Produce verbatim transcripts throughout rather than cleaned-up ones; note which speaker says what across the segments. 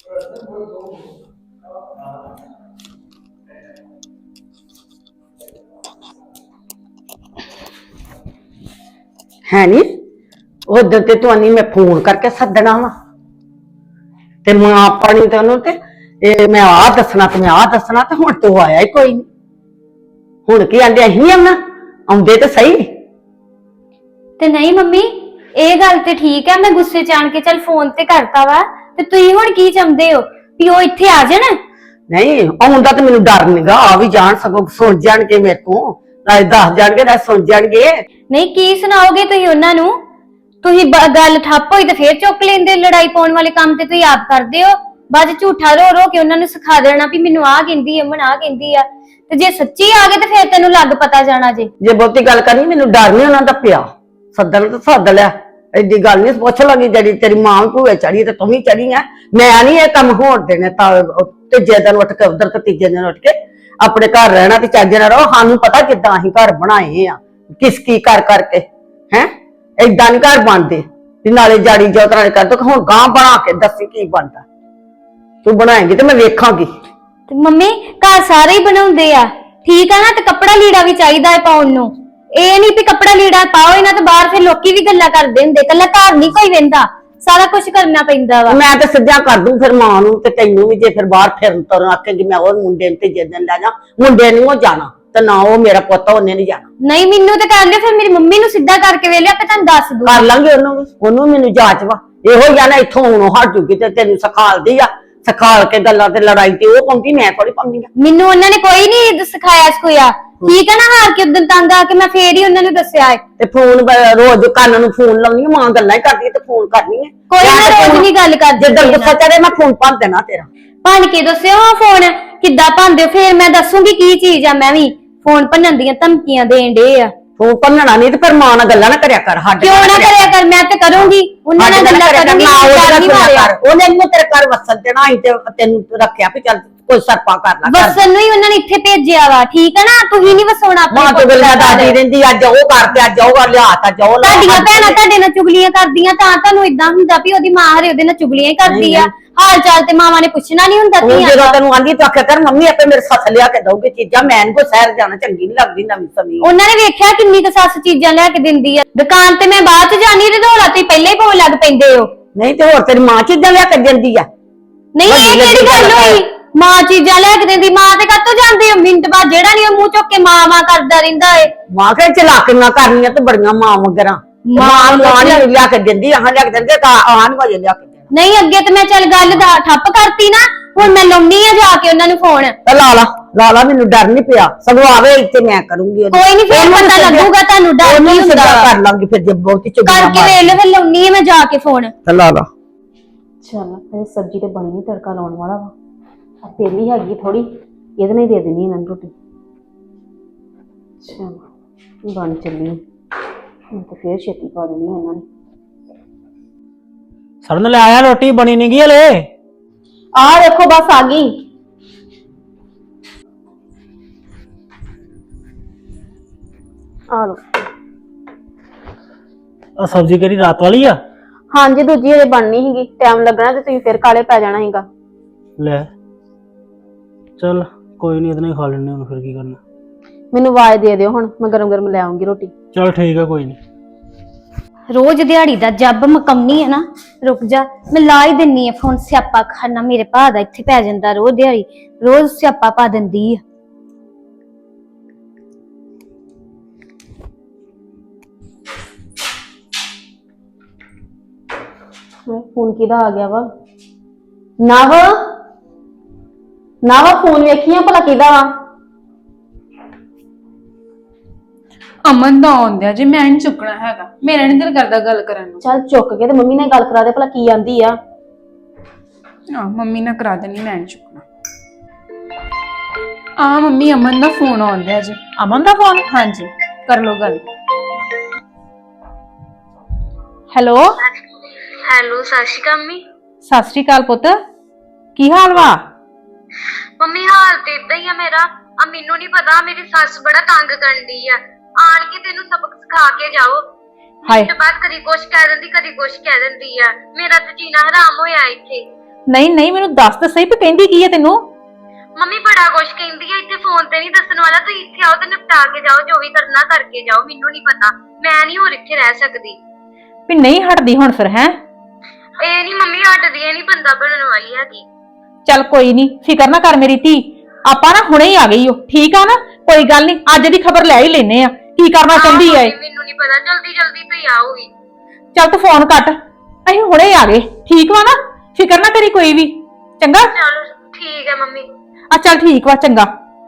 Speaker 1: है नी उधर ते तुआनी मैं फोन करके सदना वा ते मां अपनी ते ओनू ते ए मैं आ दसना ते मैं आ दसना ते हुण तू आया ही कोई नहीं हुण की आंदे अहीं आना आउंदे ते सही
Speaker 2: ते नहीं मम्मी ਇਹ ਗੱਲ ਤੇ ਠੀਕ ਹੈ मैं गुस्से च आन के चल फोन ते करता वा ते तुसीं हुण की चाहुंदे हो भी ओ इत्थे आ जाण
Speaker 1: नहीं आउंदा ते मैनूं डर नहींगा आ भी जान सगों सुन जाणगे मेरे को नाले दस जाणगे नाले सुन जाणगे
Speaker 2: नहीं की सुनाओगे तुसीं उन्हां नूं तुसीं गल ठप्प होई ते फिर चुक लेंदे लड़ाई पाउण वाले काम ते तुसीं आप करदे हो बाद झूठा रो रो के उन्हां नूं सिखा देना भी मैनूं आ कहंदी है अमन आ कहंदी आ ते जे सच्ची आ गए ते फिर तैनूं लग पता जाना जे
Speaker 1: जे बहुती गल करनी मैनूं डर नहीं उन्हां दा पिया सदन तो सद लिया एडी गल नहीं पुछ लगी जड़ी तेरी मां भूए चढ़ी ते तूं भी चढ़ी है मैं नहीं ये कम होण देने तीजे दिन उठ के उधर ते तीजे दिन उठ के अपने घर रहना ते चज नाल रहो सानूं पता किदां असीं घर बनाए आ किस की कर करके हैं इदां नहीं घर बनदे भी नाले जाड़ी जोत नाले कर दो हुण गां बना के दसी की बनदा तू बनाएंगी ते मैं वेखांगी
Speaker 2: ते मम्मी घर सारे ही बनाउंदे आ ठीक है ना ते कपड़ा लीड़ा भी चाहिदा है पाउण नूं ਇਹ ਨਹੀਂ ਵੀ ਕੱਪੜਾ ਲੀੜਾ ਪਾਓ ਇਹਨਾਂ ਤੇ ਬਾਹਰ ਫਿਰ ਲੋਕੀ ਵੀ ਗੱਲਾਂ ਕਰਦੇ ਹੁੰਦੇ ਕੱਲਾ ਘਰ ਨਹੀਂ ਕੋਈ ਵਹਿੰਦਾ ਸਾਰਾ ਕੁਝ ਕਰਨਾ ਪੈਂਦਾ ਵਾ
Speaker 1: ਮੈਂ ਤਾਂ ਸਿੱਧਾ ਕਰ ਦੂੰ ਫਿਰ ਮਾਂ ਨੂੰ ਤੇ ਤੈਨੂੰ ਵੀ ਜੇ ਫਿਰ ਬਾਹਰ ਫਿਰਨ ਤੁਰਨ ਆਖੇਂਗੀ ਮੈਂ ਉਹ ਮੁੰਡੇ ਨੂੰ ਤੇ ਜਿੱਦਣ ਲੈ ਜਾ ਮੁੰਡੇ ਨੂੰ ਉਹ ਜਾਣਾ ਤੇ ਨਾ ਉਹ ਮੇਰਾ ਪੁੱਤ ਉਹਨੇ ਨਹੀਂ ਜਾਣਾ
Speaker 2: ਨਹੀਂ ਮੈਨੂੰ ਤੇ ਕਰ ਲਿਓ ਫਿਰ ਮੇਰੀ ਮੰਮੀ ਨੂੰ ਸਿੱਧਾ ਕਰਕੇ ਵੇਲੇ ਆਪੇ ਤੁਹਾਨੂੰ ਦੱਸ ਦੂੰ
Speaker 1: ਕਰ ਲਾਂਗੇ ਉਹਨੂੰ ਵੀ ਉਹਨੂੰ ਮੈਨੂੰ ਜਾਚ ਵਾ ਇਹੋ ਜਾਣਾ ਇੱਥੋਂ ਹੁਣ ਹਟ ਜੂਗੀ ਤੇ ਤੈਨੂੰ ਸਿਖਾਲਦੀ ਆ ਸਿਖਾਲ ਕੇ ਗੱਲਾਂ ਤੇ ਲੜਾਈ ਤੇ ਉਹ ਪਾਉਂਦੀ ਮੈਂ ਥੋੜੀ ਪਾਉਂਦੀ ਆ
Speaker 2: ਮੈਨੂੰ ਉਹਨਾਂ ਨੇ ਕੋਈ ਨਹੀਂ ਸਿਖਾਇਆ ਸਿਖਾਇਆ ਠੀਕ ਹੈ ਨਾ ਹਾਰ ਕੇ ਉਦੋਂ ਤੰਗ ਆ ਕੇ ਮੈਂ ਫੇਰ ਹੀ ਉਹਨਾਂ ਨੂੰ ਦੱਸਿਆ ਹੈ
Speaker 1: ਤੇ ਫੋਨ ਰੋਜ਼ ਕੰਨ ਨੂੰ ਫੋਨ ਲਾਉਣੀ ਮਾਂ ਗੱਲਾਂ ਹੀ ਕਰਦੀ ਤੇ ਫੋਨ ਕਰਨੀ ਹੈ
Speaker 2: ਕੋਈ ਨਾ ਰੋਜ਼ ਨਹੀਂ ਗੱਲ ਕਰਦੀ
Speaker 1: ਜਦੋਂ ਗੁੱਸਾ ਚੜੇ ਮੈਂ ਫੋਨ ਭੰਨ ਦੇਣਾ ਤੇਰਾ
Speaker 2: ਭੰਨ ਕੇ ਦੱਸਿਓ ਹਾਂ ਫੋਨ ਕਿੱਦਾਂ ਭੰਨਦੇ ਫੇਰ ਮੈਂ ਦੱਸੂਗੀ ਕੀ ਚੀਜ਼ ਆ ਮੈਂ ਵੀ ਫੋਨ ਭੰਨਣ ਦੀਆਂ ਧਮਕੀਆਂ ਦੇਣ ਡੇ ਆ
Speaker 1: ਫੋਨ ਭੰਨਣਾ ਨਹੀਂ ਤੇ ਫਿਰ ਮਾਂ ਨਾਲ ਗੱਲਾਂ ਨਾ ਕਰਿਆ ਕਰ ਸਾਡੇ
Speaker 2: ਕਿਉਂ ਨਾ ਕਰਿਆ ਕਰ ਮੈਂ ਤੇ ਕਰੂੰਗੀ ਉਹਨਾਂ ਨਾਲ ਗੱਲਾਂ ਕਰੂੰਗੀ
Speaker 1: ਉਹਨੇ ਇਹਨੂੰ ਤੇਰੇ ਘਰ ਵਸਣ ਦੇਣਾ ਅਸੀਂ ਤੇ ਤੈਨੂੰ ਰੱਖਿਆ ਵੀ ਚੱਲ ਕੋਈ ਸਰਪਾ ਕਰ ਲਾ
Speaker 2: ਵਸਣ ਨੂੰ ਹੀ ਉਹਨਾਂ ਨੇ ਇੱਥੇ ਭੇਜਿਆ ਵਾ ਠੀਕ ਹੈ ਨਾ ਤੁਸੀਂ ਨਹੀਂ ਵਸਾਉਣਾ ਆਪਣੇ
Speaker 1: ਮਾਂ ਤੋਂ ਗੱਲਾਂ ਦਾਦੀ ਰਹਿੰਦੀ ਅੱਜ ਉਹ ਕਰਦੇ ਅੱਜ ਉਹ ਲਿਆ ਤਾ ਜੋ
Speaker 2: ਤੁਹਾਡੀਆਂ ਭੈਣਾਂ ਤੁਹਾਡੇ ਨਾਲ ਚੁਗਲੀਆਂ ਕਰਦੀਆਂ ਤਾਂ ਤੁਹਾਨੂੰ ਇਦਾਂ ਹੁੰਦਾ ਵੀ ਉਹਦੀ ਮਾਂ ਹਰੇ ਉਹਦੇ ਨਾਲ ਚੁਗਲੀਆਂ ਹੀ ਕਰਦੀ ਆ ਹਾਲ ਚਾਲ ਤੇ ਮਾਵਾਂ ਨੇ ਪੁੱਛਣਾ ਨਹੀਂ ਹੁੰਦਾ
Speaker 1: ਧੀਆਂ ਜਦੋਂ ਤੈਨੂੰ ਆਂਦੀ ਤੂੰ ਆਖਿਆ ਕਰ ਮੰਮੀ ਆਪੇ ਮੇਰੇ ਸੱਸ ਲਿਆ ਕੇ ਦਊਗੀ ਚੀਜ਼ਾਂ ਮੈਂ ਕੋ ਸ਼ਹਿਰ ਜਾਣਾ ਚੰਗੀ ਨਹੀਂ ਲੱਗਦੀ ਨਵੀਂ ਸਮੀ
Speaker 2: ਉਹਨਾਂ ਨੇ ਵੇਖਿਆ ਕਿੰਨੀ ਕੁ ਸੱਸ ਚੀਜ਼ਾਂ ਲਿਆ ਕੇ ਦਿੰਦੀ ਆ ਦੁਕਾਨ ਤੇ ਮੈਂ ਬਾਅਦ ਚ ਜਾਣੀ ਤੇ ਢੋਲਾ ਤੇ ਪਹਿਲਾਂ ਹੀ ਪਾਉਣ ਲੱਗ ਪੈਂਦੇ ਹੋ
Speaker 1: ਨਹੀਂ ਤੇ ਹੋਰ ਤੇਰੀ ਮਾਂ ਚੀਜ਼ਾਂ ਲਿਆ ਕੇ ਦਿੰਦੀ ਆ
Speaker 2: ਨਹੀਂ ਇਹ ਕਿਹੜੀ ਗੱਲ ਹੋਈ ਮਾਂ ਚੀਜ਼ਾਂ ਲੈ ਕੇ ਦਿੰਦੀ ਮਾਂ ਤੇ ਕੱਤੋਂ ਜਾਂਦੇ ਹੋ ਮਿੰਟ ਬਾਅਦ ਜਿਹੜਾ ਨਹੀਂ ਉਹ ਮੂੰਹ ਚੁੱਕ ਕੇ ਮਾਂ ਮਾਂ ਕਰਦਾ ਰਹਿੰਦਾ ਏ
Speaker 1: ਮਾਂ ਕਹੇ ਚਲਾਕੀਆਂ ਕਰਨੀਆਂ ਤੇ ਬੜੀਆਂ ਮਾਂ ਮਗਰਾਂ ਮਾਂ ਮਾਂ ਨਹੀਂ ਲਿਆ ਕੇ ਦਿੰਦੀ ਆਹ ਲਿਆ ਕੇ ਦਿੰਦੇ ਤਾਂ ਆਹ ਨਹੀਂ ਵਜੇ ਲਿਆ ਕੇ ਦੇਣਾ
Speaker 2: ਨਹੀਂ ਅੱਗੇ ਤੇ ਮੈਂ ਚੱਲ ਗੱਲ ਦਾ ਠੱਪ ਕਰਤੀ ਨਾ ਹੁਣ ਮੈਂ ਲਾਉਣੀ ਆ ਜਾ ਕੇ ਉਹਨਾਂ ਨੂੰ ਫੋਨ
Speaker 1: ਤੇ ਲਾ ਲਾ ਲਾ ਲਾ ਮੈਨੂੰ ਡਰ ਨਹੀਂ ਪਿਆ ਸਗੋਂ ਆਵੇ ਇੱਥੇ ਮੈਂ ਕਰੂੰਗੀ
Speaker 2: ਕੋਈ ਨਹੀਂ ਫਿਰ ਪਤਾ ਲੱਗੂਗਾ ਤੁਹਾਨੂੰ ਡਰ ਨਹੀਂ ਹੁੰਦਾ
Speaker 1: ਕਰ ਲਾਂਗੀ ਫਿਰ ਜੇ ਬਹੁਤੀ ਚੁਗਲੀ
Speaker 2: ਕਰਕੇ ਵੇਖ ਲੈ ਫਿਰ ਲਾਉਣੀ ਆ ਮੈਂ ਜਾ ਕੇ ਫੋਨ
Speaker 1: ਤੇ ਲਾ ਲਾ
Speaker 3: ਚੱਲ ਇਹ ਸਬਜ਼ੀ ਤੇ ਬਣੀ ਨਹੀਂ ਤੜਕਾ ਲਾਉਣ ਵਾਲਾ ਵਾ ਤੇਲੀ ਹੈਗੀ ਥੋੜੀ ਇਹਦੇ ਨਾਲ ਦੇ ਦੇਣੀ ਇਹਨਾਂ ਨੂੰ ਰੋਟੀ ਚਲ ਬਣ ਚੱਲੀ ਹੁਣ ਤਾਂ ਫੇਰ ਛੇਤੀ ਪਾ ਦੇਣੀ ਇਹਨਾਂ ਨੇ
Speaker 4: ਸਰਨ ਲੈ ਆਇਆ ਰੋਟੀ ਬਣੀ ਨਹੀਂ ਗਈ ਹਲੇ
Speaker 3: ਆ ਦੇਖੋ ਬਸ ਆ ਗਈ ਆ ਲੋ
Speaker 4: ਆ ਸਬਜ਼ੀ ਕਿਹੜੀ ਰਾਤ ਵਾਲੀ ਆ
Speaker 3: ਹਾਂਜੀ ਦੂਜੀ ਹਲੇ ਬਣਨੀ ਸੀਗੀ ਟਾਈਮ ਲੱਗਣਾ ਤੇ ਤੁਸੀਂ ਫੇਰ ਕਾਲੇ ਪੈ ਜਾਣਾ ਸੀਗਾ
Speaker 4: ਲੈ ਚਲ ਕੋਈ ਨਹੀਂ ਇਤਨਾ ਹੀ ਖਾ ਲੈਣੇ ਹੁਣ ਫਿਰ ਕੀ ਕਰਨਾ
Speaker 3: ਮੈਨੂੰ ਆਵਾਜ਼ ਦੇ ਦਿਓ ਹੁਣ ਮੈਂ ਗਰਮ ਗਰਮ ਲੈ ਆਉਂਗੀ ਰੋਟੀ
Speaker 4: ਚਲ ਠੀਕ ਆ ਕੋਈ ਨਹੀਂ
Speaker 2: ਰੋਜ਼ ਦਿਹਾੜੀ ਦਾ ਜੱਬ ਮਕਮਨੀ ਹੈ ਨਾ ਰੁਕ ਜਾ ਮੈਂ ਲਾ ਹੀ ਦਿੰਨੀ ਆ ਫੋਨ ਸਿਆਪਾ ਖਾਨਾ ਮੇਰੇ ਭਾ ਦਾ ਇੱਥੇ ਪੈ ਜਾਂਦਾ ਰੋਜ਼ ਦਿਹਾੜੀ ਰੋਜ਼ ਸਿਆਪਾ ਪਾ ਦਿੰਦੀ ਆ
Speaker 3: ਫੋਨ ਕਿਹਦਾ ਆ ਗਿਆ ਵਾ ਨਵ ਨਵ ਫੋਨ ਵੇਖੀਆਂ ਭਲਾ ਕਿਹਦਾ ਵਾ
Speaker 5: ਅਮਨ ਦਾ ਆਉਂਦਿਆ ਜੇ ਮੈਂ ਨਹੀਂ ਚੁੱਕਣਾ ਹੈਗਾ ਮੇਰਾ ਨਹੀਂ ਦਿਲ ਕਰਦਾ ਗੱਲ ਕਰਨ ਨੂੰ
Speaker 3: ਚੱਲ ਚੁੱਕ ਕੇ ਤੇ ਮੰਮੀ ਨਾਲ ਗੱਲ ਕਰਾ ਦੇ ਭਲਾ ਕੀ ਆਂਦੀ ਆ
Speaker 5: ਆ ਮੰਮੀ ਨਾਲ ਕਰਾ ਦੇਣੀ ਮੈਂ ਨਹੀਂ ਚੁੱਕਣਾ ਆ ਮੰਮੀ ਅਮਨ ਦਾ ਫੋਨ ਆਉਂਦਿਆ ਜੀ
Speaker 4: ਅਮਨ ਦਾ ਫੋਨ
Speaker 5: ਹਾਂਜੀ ਕਰ ਲੋ ਗੱਲ
Speaker 4: ਹੈਲੋ
Speaker 6: ਹੈਲੋ ਸਤਿ ਸ਼੍ਰੀ ਅਕਾਲ ਮੰਮੀ
Speaker 4: ਸਤਿ ਸ਼੍ਰੀ ਅਕਾਲ ਪੁੱਤ ਕੀ ਹਾਲ ਵਾ
Speaker 6: ਮੰਮੀ ਹਾਲ ਤੇ ਇਦਾਂ ਹੀ ਆ ਮੇਰਾ ਆ ਮੈਨੂੰ ਨਹੀਂ ਪਤਾ ਮੇਰੀ ਸੱਸ ਬੜਾ ਤੰਗ ਕਰਨ ਦੀ ਆ ਆਣ ਕੇ ਤੈਨੂੰ ਸਬਕ ਸਿਖਾ ਕੇ ਜਾਓ
Speaker 4: ਹਾਏ
Speaker 6: ਮਿੰਟ ਬਾਅਦ ਕਦੀ ਕੁਛ ਕਹਿ ਦਿੰਦੀ ਕਦੀ ਕੁਛ ਕਹਿ ਦਿੰਦੀ ਆ ਮੇਰਾ ਤੇ ਜੀਣਾ ਹਰਾਮ ਹੋਇਆ ਇੱਥੇ
Speaker 3: ਨਹੀਂ ਨਹੀਂ ਮੈਨੂੰ ਦੱਸ ਤਾਂ ਸਹੀ ਵੀ ਕਹਿੰਦੀ ਕੀ ਹੈ ਤੈਨੂੰ।
Speaker 6: ਮੰਮੀ ਬੜਾ ਕੁਛ ਕਹਿੰਦੀ ਆ, ਇੱਥੇ ਫੋਨ ਤੇ ਨਹੀਂ ਦੱਸਣ ਵਾਲਾ। ਤੁਸੀਂ ਇੱਥੇ ਆਓ ਤੇ ਨਿਪਟਾ ਕੇ ਜਾਓ, ਜੋ ਵੀ ਕਰਨਾ ਕਰਕੇ ਜਾਓ। ਮੈਨੂੰ ਨਹੀਂ ਪਤਾ, ਮੈਂ ਨਹੀਂ ਹੋਰ ਇੱਥੇ ਰਹਿ ਸਕਦੀ।
Speaker 3: ਵੀ ਨਹੀਂ ਹਟਦੀ ਹੁਣ ਫਿਰ ਹੈ?
Speaker 6: ਇਹ ਨਹੀਂ ਮੰਮੀ ਹਟਦੀ, ਇਹ ਨਹੀਂ ਬੰਦਾ ਬਣਨ ਵਾਲੀ ਹੈਗੀ।
Speaker 3: ਚੱਲ ਕੋਈ ਨਹੀਂ, ਫਿਕਰ ਨਾ ਕਰ ਮੇਰੀ ਧੀ, ਆਪਾਂ ਨਾ ਹੁਣੇ ਹੀ ਆ ਗਈ ਓ, ਠੀਕ ਆ ਨਾ? ਕੋਈ ਗੱਲ ਨਹੀਂ, ਅੱਜ ਦੀ ਖਬਰ ਲੈ ਹੀ ਲੈਨੇ ਆ ਕੀ ਕਰਨਾ ਚਾਹੁੰਦੀ ਐ।
Speaker 6: ਮੈਨੂੰ ਨਹੀਂ ਪਤਾ, ਜਲਦੀ ਜਲਦੀ ਤੁਸੀਂ ਆਓਗੀ।
Speaker 3: ਚੱਲ ਤੂੰ ਫੋਨ ਕੱਟ, ਅਸੀਂ ਹੁਣੇ ਹੀ ਆ ਗਏ, ਠੀਕ ਵਾ ਨਾ? ਫਿਕਰ ਨਾ ਕਰੀ ਕੋਈ ਵੀ, ਚੰਗਾ?
Speaker 6: ਚਲੋ ਠੀਕ ਹੈ ਮੰਮੀ।
Speaker 3: ਆ ਚੱਲ ਠੀਕ ਵਾ, ਚੰਗਾ।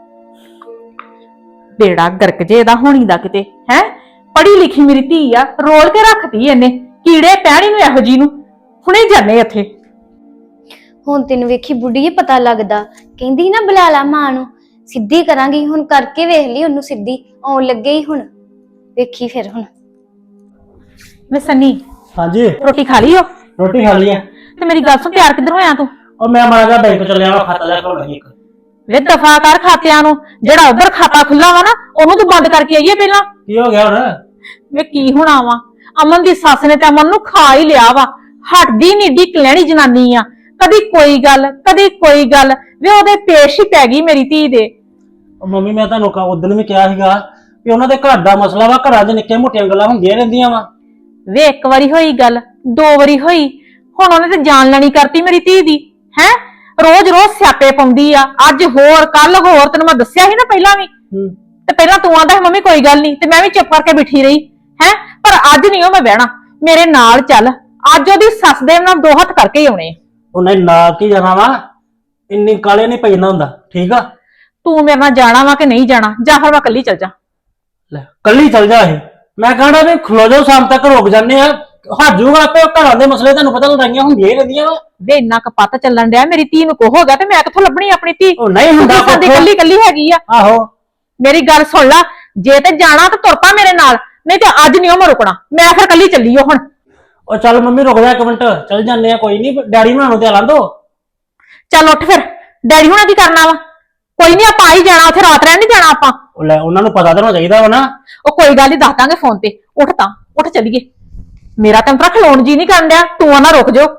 Speaker 3: ਬੇੜਾ ਗਰਕ ਜੇ ਇਹਦਾ ਹੋਣੀ ਦਾ ਕਿਤੇ ਹੈ। ਪੜ੍ਹੀ ਲਿਖੀ ਮੇਰੀ ਧੀ ਆ, ਰੋਲ ਕੇ ਰੱਖਤੀ ਇਹਨੇ, ਕੀੜੇ ਪੈਣੀ ਨੂੰ ਇਹੋ ਜੀ ਨੂੰ। ਹੁਣੇ ਜਾਣੇ ਇੱਥੇ।
Speaker 2: ਹੁਣ ਤੈਨੂੰ ਵੇਖੀ ਬੁੱਢੀਏ ਪਤਾ ਲੱਗਦਾ, ਕਹਿੰਦੀ ਨਾ ਬੁਲਾ ਲਾ ਮਾਂ ਨੂੰ, ਸਿੱਧੀ ਕਰਾਂਗੀ ਹੁਣ, ਕਰਕੇ ਵੇਖ ਲਈ ਉਹਨੂੰ ਸਿੱਧੀ, ਆਉਣ ਲੱਗੇ ਹੀ ਹੁਣ, ਵੇਖੀ ਫਿਰ ਹੁਣ।
Speaker 3: ਮੈਂ ਸੰਨੀ,
Speaker 4: ਹਾਂਜੀ
Speaker 3: ਰੋਟੀ ਖਾ ਲਈ ਓ?
Speaker 4: ਰੋਟੀ ਖਾ ਲਈ ਆ।
Speaker 3: ਤੇ ਮੇਰੀ ਗੱਲ ਸੁਣ, ਤਿਆਰ ਕਿੱਧਰ ਹੋਇਆ ਤੂੰ?
Speaker 4: ਉਹ ਮੈਂ ਮਾੜਾ ਜਿਹਾ ਬੈਂਕ ਚੱਲਿਆ ਵਾ, ਖਾਤਾ ਜਾ ਖੋਲਣਾ ਸੀ ਇੱਕ।
Speaker 3: ਵੇ ਦਫਾ ਕਰ ਖਾਤਿਆਂ ਨੂੰ, ਜਿਹੜਾ ਉਧਰ ਖਾਤਾ ਖੁੱਲਾ ਵਾ ਨਾ ਉਹਨੂੰ ਤੂੰ ਬੰਦ ਕਰਕੇ ਆਈਏ ਪਹਿਲਾਂ।
Speaker 4: ਕੀ ਹੋ ਗਿਆ ਹੁਣ?
Speaker 3: ਵੇ ਕੀ ਹੋਣਾ ਵਾ, ਅਮਨ ਦੀ ਸੱਸ ਨੇ ਤੇ ਅਮਨ ਨੂੰ ਖਾ ਹੀ ਲਿਆ ਵਾ। ਹਟਦੀ ਨੀ, ਏਡੀ ਕਲੈਣੀ ਜਨਾਨੀ ਆ, ਕਦੀ ਕੋਈ ਗੱਲ ਕਦੀ ਕੋਈ ਗੱਲ, ਵੇ ਉਹਦੇ ਪੇਸ਼ ਹੀ ਪੈ ਗਈ ਮੇਰੀ ਧੀ ਦੇ।
Speaker 4: ਉਹ ਮੰਮੀ ਮੈਂ ਤੁਹਾਨੂੰ ਉਦੋਂ ਵੀ ਕਿਹਾ ਸੀਗਾ ਕਿ ਉਹਨਾਂ ਦੇ ਘਰ ਦਾ ਮਸਲਾ ਵਾ, ਘਰਾਂ 'ਚ ਨਿੱਕੀਆਂ ਮੋਟੀਆਂ ਗੱਲਾਂ ਹੁੰਦੀਆਂ ਰਹਿੰਦੀਆਂ ਵਾ।
Speaker 3: ਵੇ ਇੱਕ ਵਾਰੀ ਹੋਈ ਗੱਲ, ਦੋ ਵਾਰੀ ਹੋਈ, ਹੁਣ ਉਹਨੇ ਤੇ ਜਾਨ ਲੈਣੀ ਕਰਤੀ ਮੇਰੀ ਧੀ ਦੀ ਹੈ। ਰੋਜ਼ ਰੋਜ਼ ਸਿਆਪੇ ਪਾਉਂਦੀ ਆ, ਅੱਜ ਹੋਰ ਕੱਲ ਹੋਰ, ਤੈਨੂੰ ਮੈਂ ਦੱਸਿਆ ਸੀ ਨਾ ਪਹਿਲਾਂ ਵੀ। ਤੇ ਪਹਿਲਾਂ ਤੂੰ ਆਂਦਾ ਮੰਮੀ ਕੋਈ ਗੱਲ ਨਹੀਂ, ਤੇ ਮੈਂ ਵੀ ਚੁੱਪ ਕਰਕੇ ਬਿਠੀ ਰਹੀ ਹੈ। ਪਰ ਅੱਜ ਨਹੀਂ ਉਹ ਮੈਂ ਬਹਿਣਾ, ਮੇਰੇ ਨਾਲ ਚੱਲ, ਅੱਜ ਉਹਦੀ ਸੱਸ ਦੇ ਨਾਲ ਦੋ ਹੱਥ ਕਰਕੇ ਹੀ ਆਉਣੇ।
Speaker 4: ਉਹਨੇ ਨਾ ਕੀ ਜਾਣਾ ਵਾ, ਇੰਨੀ ਕਾਲੇ ਨਹੀਂ ਪੈਣਾ ਹੁੰਦਾ, ਠੀਕ ਆ?
Speaker 3: ਤੂੰ ਮੇਰੇ ਨਾਲ ਜਾਣਾ ਵਾ ਕਿ ਨਹੀਂ ਜਾਣਾ, ਜਾਂ ਫਿਰ ਮੈਂ ਕੱਲੀ ਚੱਲ ਜਾ।
Speaker 4: ਲੈ ਕੱਲੀ ਚੱਲ ਜਾ। ਇਹ ਮੈਂ ਕਹਣਾ ਵੀ ਖਲੋ ਜਾਓ, ਸ਼ਾਮ ਤੱਕ ਰੁਕ ਜਾਂਦੇ ਆ, ਹਾਜੂਗਾ ਆਪੇ। ਘਰਾਂ ਦੇ ਮਸਲੇ ਤੁਹਾਨੂੰ ਪਤਾ ਲੜਾਈਆਂ ਹੁੰਦੀਆਂ ਹੀ ਰਹਿੰਦੀਆਂ ਵਾ।
Speaker 3: ਵੇ ਇੰਨਾ ਕਪੱਤ ਚੱਲਣ ਡਿਆ, ਮੇਰੀ ਧੀ ਨੂੰ ਕੋ ਹੋ ਗਿਆ ਤੇ ਮੈਂ ਕਿੱਥੋਂ ਲੱਭਣੀ ਆਪਣੀ ਧੀ?
Speaker 4: ਉਹ ਨਹੀਂ ਹੁੰਦਾ,
Speaker 3: ਸਾਡੀ ਕੱਲੀ ਕੱਲੀ ਹੈਗੀ ਆ।
Speaker 4: ਆਹੋ
Speaker 3: ਮੇਰੀ ਗੱਲ ਸੁਣ ਲੈ, ਜੇ ਤੇ ਜਾਣਾ ਤਾਂ ਤੁਰ ਪਾ ਮੇਰੇ ਨਾਲ, ਨਹੀਂ ਤੇ ਅੱਜ ਨਹੀਂ ਉਹ ਮੈਂ ਰੁਕਣਾ, ਮੈਂ ਫਿਰ ਕੱਲੀ ਚੱਲੀ ਓ ਹੁਣ।
Speaker 4: ਉਹ ਚੱਲ ਮੰਮੀ ਰੁਕ ਜਾ ਇੱਕ ਮਿੰਟ, ਚੱਲ ਜਾਂਦੇ ਆ, ਕੋਈ ਨਹੀਂ, ਡੈਡੀ ਬਣਾਉਣ ਤੇ ਲਾਂ ਦੋ।
Speaker 3: ਚੱਲ ਉੱਠ ਫਿਰ, ਡੈਡੀ ਹੁਣਾਂ ਕੀ ਕਰਨਾ ਵਾ? ਕੋਈ ਨਹੀਂ, ਆਪਾਂ ਆ ਹੀ ਜਾਣਾ, ਉੱਥੇ ਰਾਤ ਰਹਿਣ ਨਹੀਂ ਜਾਣਾ ਆਪਾਂ।
Speaker 4: ਉਹ ਲੈ ਉਹਨਾਂ ਨੂੰ ਪਤਾ ਤਾਂ ਹੋਣਾ ਚਾਹੀਦਾ ਵਾ ਨਾ।
Speaker 3: ਉਹ ਕੋਈ ਗੱਲ ਨਹੀਂ, ਦੱਸ ਦਾਂਗੇ ਫੋਨ ਤੇ। ਉੱਠ ਤਾਂ ਉੱਠ, ਚੱਲੀਏ। ਮੇਰਾ ਤਾਂ ਤਰਾ ਖਲੋਣ ਜੀ ਨਹੀਂ ਕਰਨ ਡਿਆ, ਤੂੰ ਨਾ ਰੁਕ ਜਾਓ।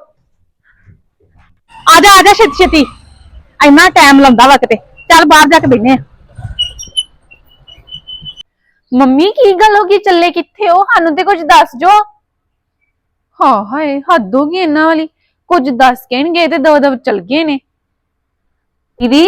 Speaker 3: ਆ ਜਾ ਆ ਜਾ ਛੇਤੀ ਛੇਤੀ, ਇੰਨਾ ਟਾਈਮ ਲਾਉਂਦਾ ਵਾ ਕਿਤੇ। ਚੱਲ ਬਾਹਰ ਜਾ ਕੇ ਬੈਠਨੇ ਆ।
Speaker 5: ਮੰਮੀ ਕੀ ਗੱਲ ਹੋ ਗਈ, ਚੱਲੇ ਕਿੱਥੇ ਹੋ? ਸਾਨੂੰ ਤੇ ਕੁਝ ਦੱਸ ਜੋ। ਹਾਂ ਹਾਏ, ਹੱਦ ਹੋ ਗਈ ਇਹਨਾਂ ਵਾਲੀ, ਕੁਝ ਦੱਸ ਕੇ ਨੀ ਗਏ ਤੇ ਦੋ ਦੋ ਚਲ ਗਏ ਨੇ।
Speaker 3: ਦੀਦੀ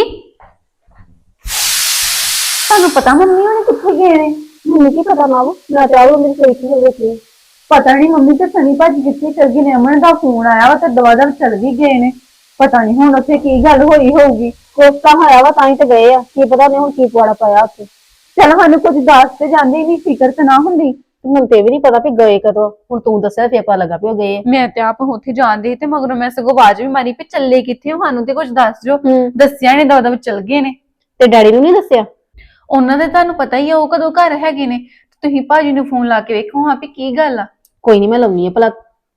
Speaker 7: ਤੁਹਾਨੂੰ ਪਤਾ ਮੰਮੀ ਉਹਨੇ ਕਿੱਥੇ ਗਏ ਨੇ? ਮੈਨੂੰ ਕੀ ਪਤਾ ਮਾਵੋ, ਮੈਂ ਤਾਂ ਉਹ ਮੇਰੀ ਸੋਚੀ ਹੋ ਗਈ। ਪਤਾ ਨਹੀਂ ਮੰਮੀ ਤੇ ਸਨੀ ਭਾਜੀ ਕਿੱਥੇ ਚਲ ਗਏ ਨੇ। ਅਮਨ ਦਾ ਫੋਨ ਆਇਆ ਵਾ ਤੇ ਦਵਾ ਦਵ ਚਲ ਵੀ ਗਏ ਨੇ। ਪਤਾ ਨਹੀਂ ਹੁਣ ਉੱਥੇ ਕੀ ਗੱਲ ਹੋਈ ਹੋਊਗੀ। ਕੋਸਤਾ ਹੋਇਆ ਵਾ ਤਾਂ ਹੀ ਤੇ ਗਏ ਆ, ਕੀ ਪਤਾ ਨਹੀਂ ਹੁਣ ਕੀ ਪੁਆੜਾ ਪਾਇਆ ਉੱਥੇ। ਚਲ ਸਾਨੂੰ ਕੁਝ ਦੱਸ ਤੇ ਜਾਂਦੇ ਨਹੀਂ, ਫਿਕਰ ਤੇ ਨਾ ਹੁੰਦੀ। ਹੁਣ ਤੇ ਵੀ ਨਹੀਂ ਪਤਾ ਵੀ ਗਏ ਕਦੋਂ, ਹੁਣ ਤੂੰ ਦੱਸਿਆ ਫੇਰ ਪਤਾ ਲੱਗਾ ਵੀ ਉਹ ਗਏ।
Speaker 5: ਮੈਂ ਤੇ ਆਪ ਉੱਥੇ ਜਾਂਦੀ ਤੇ ਮਗਰੋਂ ਮੈਂ ਸਗੋਂ ਆਵਾਜ਼ ਵੀ ਮਾਰੀ ਵੀ ਚੱਲੇ ਕਿੱਥੇ ਹੋ, ਸਾਨੂੰ ਤੇ ਕੁਝ ਦੱਸ ਜੋ। ਦੱਸਿਆ ਨੇ, ਦਵਾ ਦਵ ਚਲ ਗਏ ਨੇ।
Speaker 7: ਤੇ ਡੈਡੀ ਨੂੰ ਨਹੀਂ ਦੱਸਿਆ?
Speaker 5: ਉਹਨਾਂ ਦੇ ਤੁਹਾਨੂੰ ਪਤਾ ਹੀ ਆ ਉਹ ਕਦੋਂ ਘਰ ਹੈਗੇ ਨੇ। ਤੁਸੀਂ ਭਾਜੀ ਨੂੰ ਫੋਨ ਲਾ ਕੇ ਵੇਖੋ ਹਾਂ ਵੀ ਕੀ ਗੱਲ ਆ।
Speaker 7: ਕੋਈ ਨਹੀਂ, ਮੈਂ ਲਾਉਣੀ ਆ ਭਲਾ।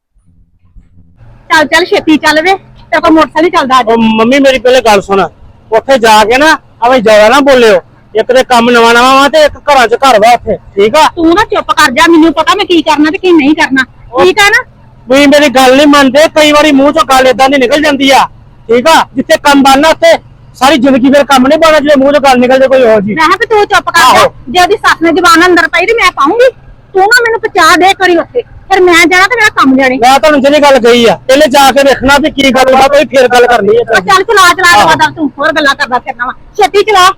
Speaker 3: ਚੱਲ ਚੱਲ ਛੇਤੀ ਚੱਲ ਵੇ, ਤੇ ਕੋਈ ਮੋਟਰਸਾਈਕਲ ਚੱਲਦਾ ਅੱਜ।
Speaker 4: ਉਹ ਮੰਮੀ ਮੇਰੀ ਪਹਿਲੇ ਗੱਲ ਸੁਣ, ਉੱਥੇ ਜਾ ਕੇ ਨਾ ਐਵੇਂ ਜ਼ਿਆਦਾ ਨਾ ਬੋਲਿਓ। ਇੱਕ ਤੇ ਕੰਮ ਨਵਾਂ ਨਵਾਂ ਵਾ ਤੇ ਇੱਕ ਘਰਾਂ 'ਚ ਘਰ ਵਾ ਉੱਥੇ, ਠੀਕ ਆ?
Speaker 3: ਤੂੰ ਨਾ ਚੁੱਪ ਕਰ ਜਾ, ਮੈਨੂੰ ਪਤਾ ਮੈਂ ਕੀ ਕਰਨਾ ਤੇ ਕੀ ਨਹੀਂ ਕਰਨਾ, ਠੀਕ ਆ ਨਾ?
Speaker 4: ਤੁਸੀਂ ਮੇਰੀ ਗੱਲ ਨਹੀਂ ਮੰਨਦੇ, ਕਈ ਵਾਰੀ ਮੂੰਹ 'ਚੋਂ ਗੱਲ ਏਦਾਂ ਦੀ ਨਿਕਲ ਜਾਂਦੀ ਆ, ਠੀਕ ਆ? ਜਿੱਥੇ ਕੰਮ ਬਣਨਾ ਉੱਥੇ ਸਾਰੀ ਜ਼ਿੰਦਗੀ ਫਿਰ ਕੰਮ ਨਹੀਂ ਬਣਨਾ, ਜਿਹੜੇ ਮੂੰਹ 'ਚੋਂ ਗੱਲ ਨਿਕਲ ਜੇ ਕੋਈ ਹੋਰ ਜੀ।
Speaker 3: ਮੈਂ ਕਿਹਾ ਵੀ ਤੂੰ ਚੁੱਪ ਕਰ ਜਾ, ਜੇ ਉਹਦੀ ਸੱਸ ਨੇ ਜ਼ਬਾਨ ਅੰਦਰ ਪਾਈ ਤੇ ਮੈਂ ਪਾਉਂਗੀ। ਤੂੰ ਨਾ ਮੈਨੂੰ ਪਚਾ ਦੇ ਕਰੀ ਉੱਥੇ, ਫਿਰ ਮੈਂ ਜਾਣਾ ਤੇ ਮੇਰਾ ਕੰਮ ਜਾਣੇ।
Speaker 4: ਮੈਂ ਤੁਹਾਨੂੰ ਜਿਹੜੀ ਗੱਲ ਕਹੀ ਆ, ਪਹਿਲੇ ਜਾ ਕੇ ਵੇਖਣਾ ਵੀ ਕੀ ਗੱਲ ਵਾ, ਕੋਈ ਫਿਰ ਗੱਲ ਕਰਨੀ ਹੈ।
Speaker 3: ਚੱਲ ਚਲਾ ਚਲਾ ਦਵਾ ਦਵ, ਤੂੰ ਹੋਰ ਗੱਲਾਂ ਕਰਦਾ ਫਿਰਨਾ ਵਾ, ਛੇਤੀ ਚਲਾ।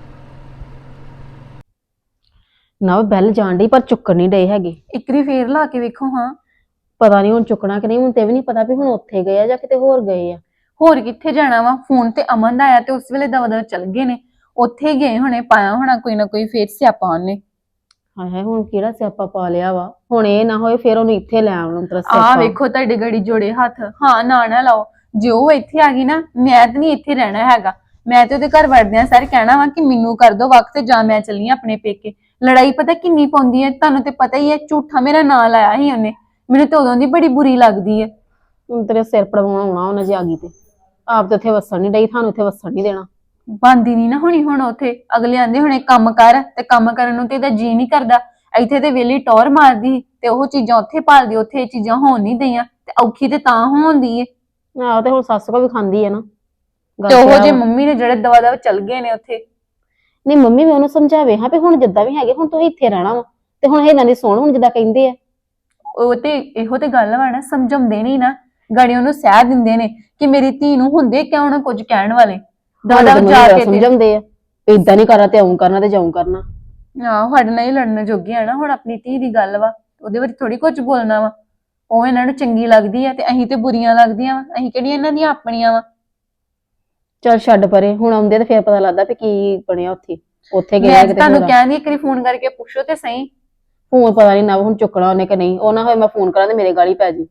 Speaker 7: ਨਾ ਬੈਲ ਜਾਣ ਡਈ ਪਰ ਚੁੱਕਣ ਨਹੀਂ ਡਏ ਹੈਗੇ।
Speaker 5: ਇੱਕਰੀ ਫੇਰ ਲਾ ਕੇ ਵੇਖੋ ਹਾਂ।
Speaker 7: ਪਤਾ ਨਹੀਂ ਹੁਣ ਚੁੱਕਣਾ ਕਿ ਨਹੀਂ, ਹੁਣ ਤੇ ਵੀ ਨਹੀਂ ਪਤਾ ਵੀ ਹੁਣ ਉੱਥੇ ਗਏ ਆ ਜਾਂ ਕਿਤੇ ਹੋਰ ਗਏ ਆ।
Speaker 5: ਹੋਰ ਕਿੱਥੇ ਜਾਣਾ ਵਾ? ਫੋਨ ਤੇ ਅਮਨ ਦਾ ਆਇਆ ਤੇ ਉਸ ਵੇਲੇ ਦਵਾ ਦਵਾ ਚਲ ਗਏ ਨੇ, ਉੱਥੇ ਗਏ ਹੋਣੇ, ਪਾਇਆ ਹੋਣਾ ਕੋਈ ਨਾ ਕੋਈ ਫੇਰ ਸਿਆਪਾ ਉਹਨੇ।
Speaker 7: ਹਾਏ ਹਾਏ, ਹੁਣ ਕਿਹੜਾ ਸਿਆਪਾ ਪਾ ਲਿਆ ਵਾ? ਹੁਣ ਇਹ ਨਾ ਹੋਏ ਫੇਰ ਉਹਨੂੰ ਇੱਥੇ ਲੈ ਆਉਣ ਤਰ ਸਿਆਪਾ।
Speaker 5: ਆਹ ਵੇਖੋ ਤੁਹਾਡੇ ਗੜੀ ਜੋੜੇ ਹੱਥ। ਹਾਂ ਨਾ ਨਾ ਲਾਓ, ਜੇ ਉਹ ਇੱਥੇ ਆ ਗਈ ਨਾ, ਮੈਂ ਤੇ ਨਹੀਂ ਇੱਥੇ ਰਹਿਣਾ ਹੈਗਾ। ਮੈਂ ਤੇ ਉਹਦੇ ਘਰ ਵੜਦਿਆਂ ਸਾਰੇ ਕਹਿਣਾ ਵਾ ਕਿ ਮੈਨੂੰ ਕਰ ਦੋ ਵਕਤ, ਜਾਂ ਮੈਂ ਚੱਲੀ ਆਂ ਆਪਣੇ ਪੇਕੇ। ਲੜਾਈ ਪਤਾ ਕਿੰਨੀ ਪਾਉਂਦੀ ਹੈ, ਤੁਹਾਨੂੰ ਤੇ ਪਤਾ ਹੀ ਹੈ। ਝੂਠਾ ਮੇਰਾ ਨਾਂ ਲਾਇਆ ਸੀ ਉਹਨੇ, ਮੈਨੂੰ ਤੇ ਉਦੋਂ ਦੀ ਬੜੀ ਬੁਰੀ ਲੱਗਦੀ ਹੈ।
Speaker 7: ਹੁਣ ਤੇਰੇ ਸਿਰ ਪੜਵਾਉਣਾ ਆਉਣਾ ਉਹਨਾਂ ਜੇ ਆ ਗਈ ਤੇ। ਆਪ ਤੇ ਉੱਥੇ ਵਸਣ ਨਹੀਂ ਡਈ, ਤੁਹਾਨੂੰ ਉੱਥੇ ਵਸਣ ਨਹੀਂ ਦੇਣਾ।
Speaker 5: ਬੰਦੀ ਨਹੀਂ ਨਾ ਹੋਣੀ ਹੁਣ ਉੱਥੇ। ਅਗਲੇ ਆਂਦੇ ਹੁਣੇ ਕੰਮ ਕਰ, ਤੇ ਕੰਮ ਕਰਨ ਨੂੰ ਤੇ ਇਹਦਾ ਜੀ ਨਹੀਂ ਕਰਦਾ। ਇੱਥੇ ਤੇ ਵੇਲੀ ਟੌਰ ਮਾਰਦੀ ਤੇ ਉਹ ਚੀਜ਼ਾਂ ਉੱਥੇ ਭਾਲਦੀ, ਉੱਥੇ ਇਹ ਚੀਜ਼ਾਂ ਹੋਣ ਨਹੀਂ ਦਈਆਂ ਤੇ ਔਖੀ ਤੇ ਤਾਂ ਹੋਣਦੀ ਏ।
Speaker 3: ਆਹੋ ਤੇ ਹੁਣ ਸੱਸ ਕੋ ਵੀ ਖਾਂਦੀ ਆ ਨਾ ਗੱਲ
Speaker 5: ਤੇ ਉਹ
Speaker 3: ਤਾਂ
Speaker 5: ਜੇ
Speaker 3: ਆ ਵਾ।
Speaker 5: ਮੰਮੀ ਨੇ ਜਿਹੜੇ ਦਵਾ ਦਵਾ ਚੱਲ ਗਏ ਨੇ ਉੱਥੇ।
Speaker 3: ਨਹੀਂ ਮੰਮੀ ਵੀ ਉਹਨੂੰ ਸਮਝਾਵੇ ਹਾਂ ਵੀ ਹੁਣ ਜਿੱਦਾਂ ਵੀ ਹੈਗੇ ਹੁਣ ਤੂੰ ਇੱਥੇ ਰਹਿਣਾ ਵਾ ਤੇ ਹੁਣ ਇਹਨਾਂ ਦੀ ਸੁਣ ਹੁਣ ਜਿੱਦਾਂ ਕਹਿੰਦੇ ਆ।
Speaker 5: ਉਹ ਤੇ ਇਹੋ ਤੇ ਗੱਲ ਵਾ ਨਾ, ਸਮਝਾਉਂਦੇ ਨਹੀਂ ਨਾ, ਗਾੜੀ ਉਹਨੂੰ ਸਹਿ ਦਿੰਦੇ ਨੇ ਕਿ ਮੇਰੀ ਧੀ ਨੂੰ ਹੁੰਦੇ ਕਿਉਂ ਨਾ ਕੁਝ ਕਹਿਣ ਵਾਲੇ। ਦਾਦਾ
Speaker 3: ਹੁਣ
Speaker 5: ਜਾ
Speaker 3: ਤੇ
Speaker 5: ਕੇ ਤੇ
Speaker 3: ਸਮਝਾਉਂਦੇ ਆ ਇਦਾਂ ਨਹੀਂ ਕਰਨਾ ਤੇ ਆਉਂ ਕਰਨਾ ਤੇ ਜਾਉਂ ਕਰਨਾ।
Speaker 5: ਆਹੋ ਸਾਡੇ ਨਾਲ ਹੀ ਲੜਨ ਜੋਗੇ ਆ ਨਾ, ਹੁਣ ਆਪਣੀ ਧੀ ਦੀ ਗੱਲ ਵਾ ਉਹਦੇ ਬਾਰੇ ਥੋੜੀ ਕੁਝ ਬੋਲਣਾ ਵਾ। ਉਹ ਇਹਨਾਂ ਨੂੰ ਚੰਗੀ ਲੱਗਦੀ ਆ ਤੇ ਅਸੀਂ ਤੇ ਬੁਰੀਆਂ ਲੱਗਦੀਆਂ ਵਾ, ਅਸੀਂ ਕਿਹੜੀਆਂ ਇਹਨਾਂ ਦੀਆਂ ਆਪਣੀਆਂ ਵਾ।
Speaker 3: ਚੱਲ ਛੱਡ ਪਰੇ, ਹੁਣ ਆਉਂਦੇ ਤੇ ਫੇਰ ਪਤਾ ਲੱਗਦਾ ਵੀ ਕੀ ਬਣਿਆ ਉੱਥੇ ਉੱਥੇ ਗਏ
Speaker 5: ਮੈਂ
Speaker 3: ਕਿਤੇ
Speaker 5: ਤੁਹਾਨੂੰ
Speaker 3: ਹੋਰ।
Speaker 5: ਕਹਿੰਦੀ ਇੱਕ ਵਾਰੀ ਫੋਨ ਕਰਕੇ ਪੁੱਛੋ ਤੇ ਸਹੀ।
Speaker 3: ਫੋਨ ਪਤਾ ਨਹੀਂ ਨਾ ਹੁਣ ਚੁੱਕਣਾ ਉਹਨੇ ਕਿ ਨਹੀਂ, ਉਹ ਨਾ ਹੋਏ ਮੈਂ ਫੋਨ ਕਰਾਂ ਤੇ ਮੇਰੇ ਗਾਲੀ ਪੈ ਜੀ।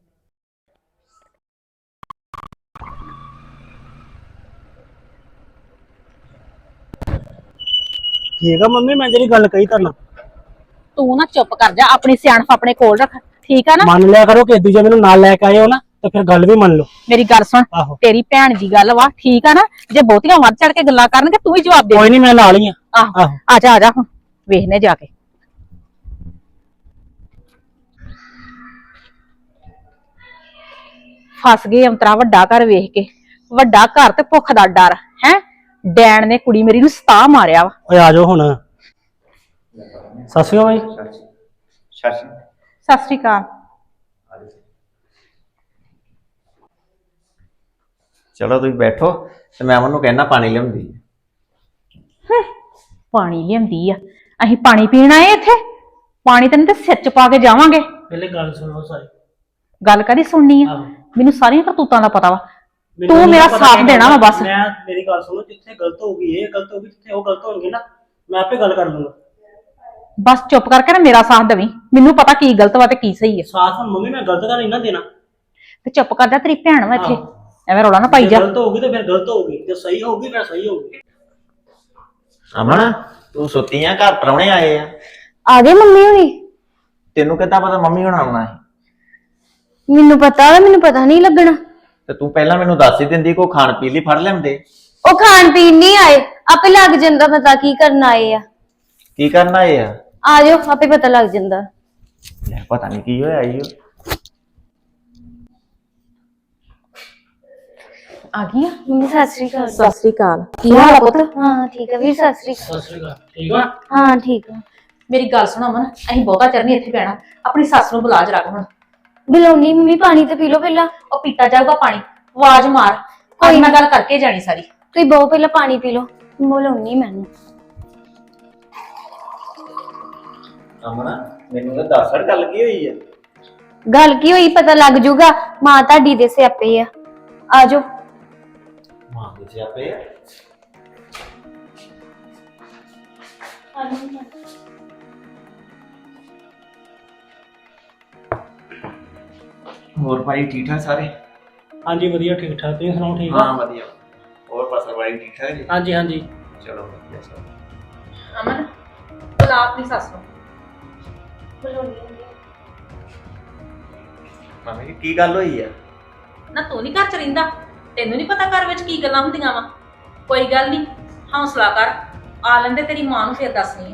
Speaker 4: ਠੀਕ ਆ ਮੰਮੀ, ਮੈਂ ਜਿਹੜੀ ਗੱਲ ਕਹੀ ਤੁਹਾਨੂੰ
Speaker 3: ਤੂੰ ਨਾ ਚੁੱਪ ਕਰ ਜਾ, ਆਪਣੀ ਸਿਆਣਪ ਆਪਣੇ ਕੋਲ ਰੱਖ, ਠੀਕ ਆ ਨਾ।
Speaker 4: ਮੰਨ ਲਿਆ ਕਰੋ ਕਿ ਦੂਜੇ ਮੈਨੂੰ ਨਾਲ ਲੈ ਕੇ ਆਏ ਹੋ ਨਾ ਤੇ ਫਿਰ ਗੱਲ ਵੀ ਮੰਨ ਲਓ।
Speaker 3: ਮੇਰੀ ਗੱਲ ਸੁਣ,
Speaker 4: ਆਹੋ
Speaker 3: ਤੇਰੀ ਭੈਣ ਦੀ ਗੱਲ ਵਾ, ਠੀਕ ਆ ਨਾ। ਜੇ ਬਹੁਤੀਆਂ ਵੱਧ ਚੜ ਕੇ ਗੱਲਾਂ ਕਰਨਗੇ ਤੂੰ ਵੀ ਜਵਾਬ ਦੇ।
Speaker 4: ਕੋਈ ਨਹੀਂ, ਮੈਂ ਨਾਲ ਹੀ ਆ।
Speaker 3: ਆਹੋ ਆ ਜਾ ਆ ਜਾ ਹੁਣ ਵੇਖਨੇ ਜਾ ਕੇ। ਫਸ ਗਏ ਅੰਤਰਾ ਵੱਡਾ ਘਰ ਵੇਖ ਕੇ, ਵੱਡਾ ਘਰ ਤੇ ਭੁੱਖ ਦਾ ਡਰ ਹੈ। ਡੈਣ ਨੇ ਕੁੜੀ ਮੇਰੀ ਨੂੰ ਸਤਾ ਮਾਰਿਆ ਵਾ।
Speaker 4: ਓਏ ਆ ਜਾਓ ਹੁਣ। ਸਤਿ ਸ਼੍ਰੀ ਅਕਾਲ ਬਾਈ।
Speaker 3: ਸਤਿ ਸ਼੍ਰੀ ਅਕਾਲ।
Speaker 8: ਚਲੋ ਤੁਸੀਂ ਬੈਠੋ ਤੇ ਮੈਂ ਉਹਨੂੰ ਕਹਿਣਾ ਪਾਣੀ ਲਿਆਉਂਦੀ।
Speaker 3: ਪਾਣੀ ਲਿਆਂਦੀ ਆ, ਅਸੀਂ ਪਾਣੀ ਪੀਣ ਆਏ ਇੱਥੇ? ਪਾਣੀ ਤੈਨੂੰ ਤੇ ਸਿਰ ਚ ਪਾ ਕੇ ਜਾਵਾਂਗੇ।
Speaker 4: ਪਹਿਲੇ ਗੱਲ ਸੁਣੋ ਸਾਰੀ।
Speaker 3: ਗੱਲ ਕਦੀ ਸੁਣਨੀ ਆ?
Speaker 4: ਆਹੋ।
Speaker 3: ਮੈਨੂੰ ਸਾਰੀਆਂ ਕਰਤੂਤਾਂ ਦਾ ਪਤਾ ਵਾ।
Speaker 4: ਮੈਨੂੰ
Speaker 3: ਤੂੰ
Speaker 4: ਨਹੀਂ
Speaker 3: ਮੇਰਾ
Speaker 4: ਪਤਾ
Speaker 3: ਸਾਥ
Speaker 4: ਕੀ
Speaker 3: ਦੇਣਾ ਵਾ
Speaker 4: ਗੱਲ-
Speaker 3: ਬਸ।
Speaker 4: ਮੈਂ ਮੇਰੀ ਗੱਲ ਸੁਣੋ, ਜਿੱਥੇ ਗਲਤ ਹੋਊਗੀ ਇਹ ਗਲਤ ਹੋਊਗੀ, ਜਿੱਥੇ ਉਹ ਗਲਤ ਹੋਣਗੇ ਨਾ ਮੈਂ ਆਪੇ ਗੱਲ ਕਰ ਲੂੰਗਾ।
Speaker 3: ਬਸ ਚੁੱਪ ਕਰਕੇ ਨਾ ਮੇਰਾ ਸਾਥ ਦੇਵੀਂ, ਮੈਨੂੰ ਪਤਾ ਕੀ ਗਲਤ ਵਾ ਤੇ ਕੀ ਸਹੀ ਹੈ।
Speaker 4: ਸਾਥ ਹੁਣ ਮੰਮੀ ਮੈਂ ਗਲਤ ਤਾਂ ਨਹੀਂ ਨਾ ਦੇਣਾ।
Speaker 3: ਤੇ ਚੁੱਪ ਕਰ ਜਾ, ਤੇਰੀ ਭੈਣ ਵਾ ਇੱਥੇ,
Speaker 4: ਆਹੋ।
Speaker 3: ਐਵੇਂ ਰੌਲਾ ਨਾ ਪਾਈ
Speaker 4: ਜੇ
Speaker 3: ਜਾ।
Speaker 4: ਗਲਤ ਹੋਊਗੀ ਤੇ ਫਿਰ ਗਲਤ ਹੋਊਗੀ, ਜੇ ਸਹੀ ਹੋਊਗੀ ਫਿਰ ਸਹੀ ਹੋਊਗੀ।
Speaker 8: ਅਮਨ ਤੂੰ ਸੁੱਤੀ ਆ? ਘਰ ਪ੍ਰਾਹੁਣੇ ਆਏ ਆ।
Speaker 2: ਆ ਗਏ ਮੰਮੀ ਹੁਣੀ?
Speaker 8: ਤੈਨੂੰ ਕਿੱਦਾਂ ਪਤਾ ਮੰਮੀ ਹੁਣ ਆਉਣਾ ਹੈ?
Speaker 2: ਮੈਨੂੰ ਪਤਾ ਵਾ, ਮੈਨੂੰ ਪਤਾ ਨਹੀਂ ਲੱਗਣਾ।
Speaker 8: ਤੇ ਤੂੰ ਪਹਿਲਾਂ ਮੈਨੂੰ ਦੱਸ ਹੀ ਦਿੰਦੀ, ਕੋਈ ਖਾਣ ਪੀਣ ਲਈ ਫੜ ਲੈਂਦੇ।
Speaker 2: ਉਹ ਖਾਣ ਪੀਣ ਨਹੀਂ ਆਏ, ਆਪੇ ਲੱਗ ਜਾਂਦਾ ਪਤਾ ਕੀ ਕਰਨ ਆਏ ਆ।
Speaker 8: ਕੀ ਕਰਨ ਆਏ ਆ?
Speaker 2: ਆ ਜਾਓ, ਆਪੇ ਪਤਾ ਲੱਗ ਜਾਂਦਾ।
Speaker 8: ਲੈ ਪਤਾ ਨਹੀਂ ਕੀ ਹੋਇਆ ਈ ਓ।
Speaker 3: ਆ ਗਈ ਆ?
Speaker 2: ਮੰਮੀ ਸਤਿ ਸ੍ਰੀ ਅਕਾਲ।
Speaker 3: ਸਤਿ ਸ਼੍ਰੀ ਅਕਾਲ। ਕੀ ਹਾਲ ਆ ਪੁੱਤ?
Speaker 2: ਹਾਂ ਠੀਕ ਆ ਵੀਰ, ਸਤਿ ਸ੍ਰੀ ਅਕਾਲ।
Speaker 4: ਸਤਿ ਸ਼੍ਰੀ ਅਕਾਲ। ਠੀਕ ਆ?
Speaker 2: ਹਾਂ ਠੀਕ ਆ।
Speaker 3: ਮੇਰੀ ਗੱਲ ਸੁਣੋ ਅਮਨ, ਅਸੀਂ ਬਹੁਤਾ ਚਿਰ ਨਹੀਂ ਇੱਥੇ ਬਹਿਣਾ, ਆਪਣੀ ਸੱਸ ਨੂੰ ਬੁਲਾ ਜਰਾ ਹੁਣ।
Speaker 2: ਬੁਲਾਉਣੀ ਮੰਮੀ, ਪਾਣੀ ਤੇ ਪੀ ਲਓ ਪਹਿਲਾਂ।
Speaker 3: ਉਹ ਪੀਤਾ ਜਾਊਗਾ ਪਾਣੀ, ਆਵਾਜ਼ ਮਾਰ, ਕੋਈ ਨਾ ਗੱਲ ਕਰਕੇ ਜਾਣੀ ਸਾਰੀ।
Speaker 2: ਤੁਸੀਂ ਬਹੁਤ ਪਹਿਲਾਂ ਪਾਣੀ ਪੀ ਲਓ, ਬੁਲਾਉਣੀ ਮੈਨੂੰ।
Speaker 8: ਅਮਨ ਮੈਨੂੰ ਤਾਂ ਦੱਸ ਹੜ ਗੱਲ ਕੀ ਹੋਈ ਆ?
Speaker 2: ਗੱਲ ਕੀ ਹੋਈ ਪਤਾ ਲੱਗ ਜੂਗਾ, ਮਾਂ ਤੁਹਾਡੀ ਦੇ ਸਿਆਪੇ ਆ। ਆ ਜਾਓ।
Speaker 8: ਮਾਂ ਦੇ ਸਿਆਪੇ ਆ? ਹੋਰ ਭਾਈ ਠੀਕ ਠਾਕ ਸਾਰੇ?
Speaker 4: ਹਾਂਜੀ ਵਧੀਆ ਠੀਕ ਠਾਕ, ਤੁਸੀਂ ਸੁਣਾਓ ਠੀਕ ਆ?
Speaker 8: ਹਾਂ ਵਧੀਆ। ਹੋਰ ਪਾਸਾ ਭਾਈ ਠੀਕ ਠਾਕ ਜੀ?
Speaker 4: ਹਾਂਜੀ ਹਾਂਜੀ।
Speaker 8: ਚਲੋ ਵਧੀਆ ਸਭ।
Speaker 3: ਅਮਨ ਬੁਲਾ ਆਪਣੀ ਸੱਸ ਨੂੰ।
Speaker 8: ਮੰਮੀ ਜੀ ਕੀ ਗੱਲ ਹੋਈ ਆ?
Speaker 3: ਨਾ ਤੂੰ ਨਹੀਂ ਘਰ ਚ ਰਹਿੰਦਾ? ਤੈਨੂੰ ਨਹੀਂ ਪਤਾ ਘਰ ਵਿੱਚ ਕੀ ਗੱਲਾਂ ਹੁੰਦੀਆਂ ਵਾ? ਕੋਈ ਗੱਲ ਨਹੀਂ, ਹੌਸਲਾ ਕਰ, ਆ ਲੈਂਦੇ ਤੇਰੀ ਮਾਂ ਨੂੰ ਫਿਰ ਦੱਸਣੀ ਆ।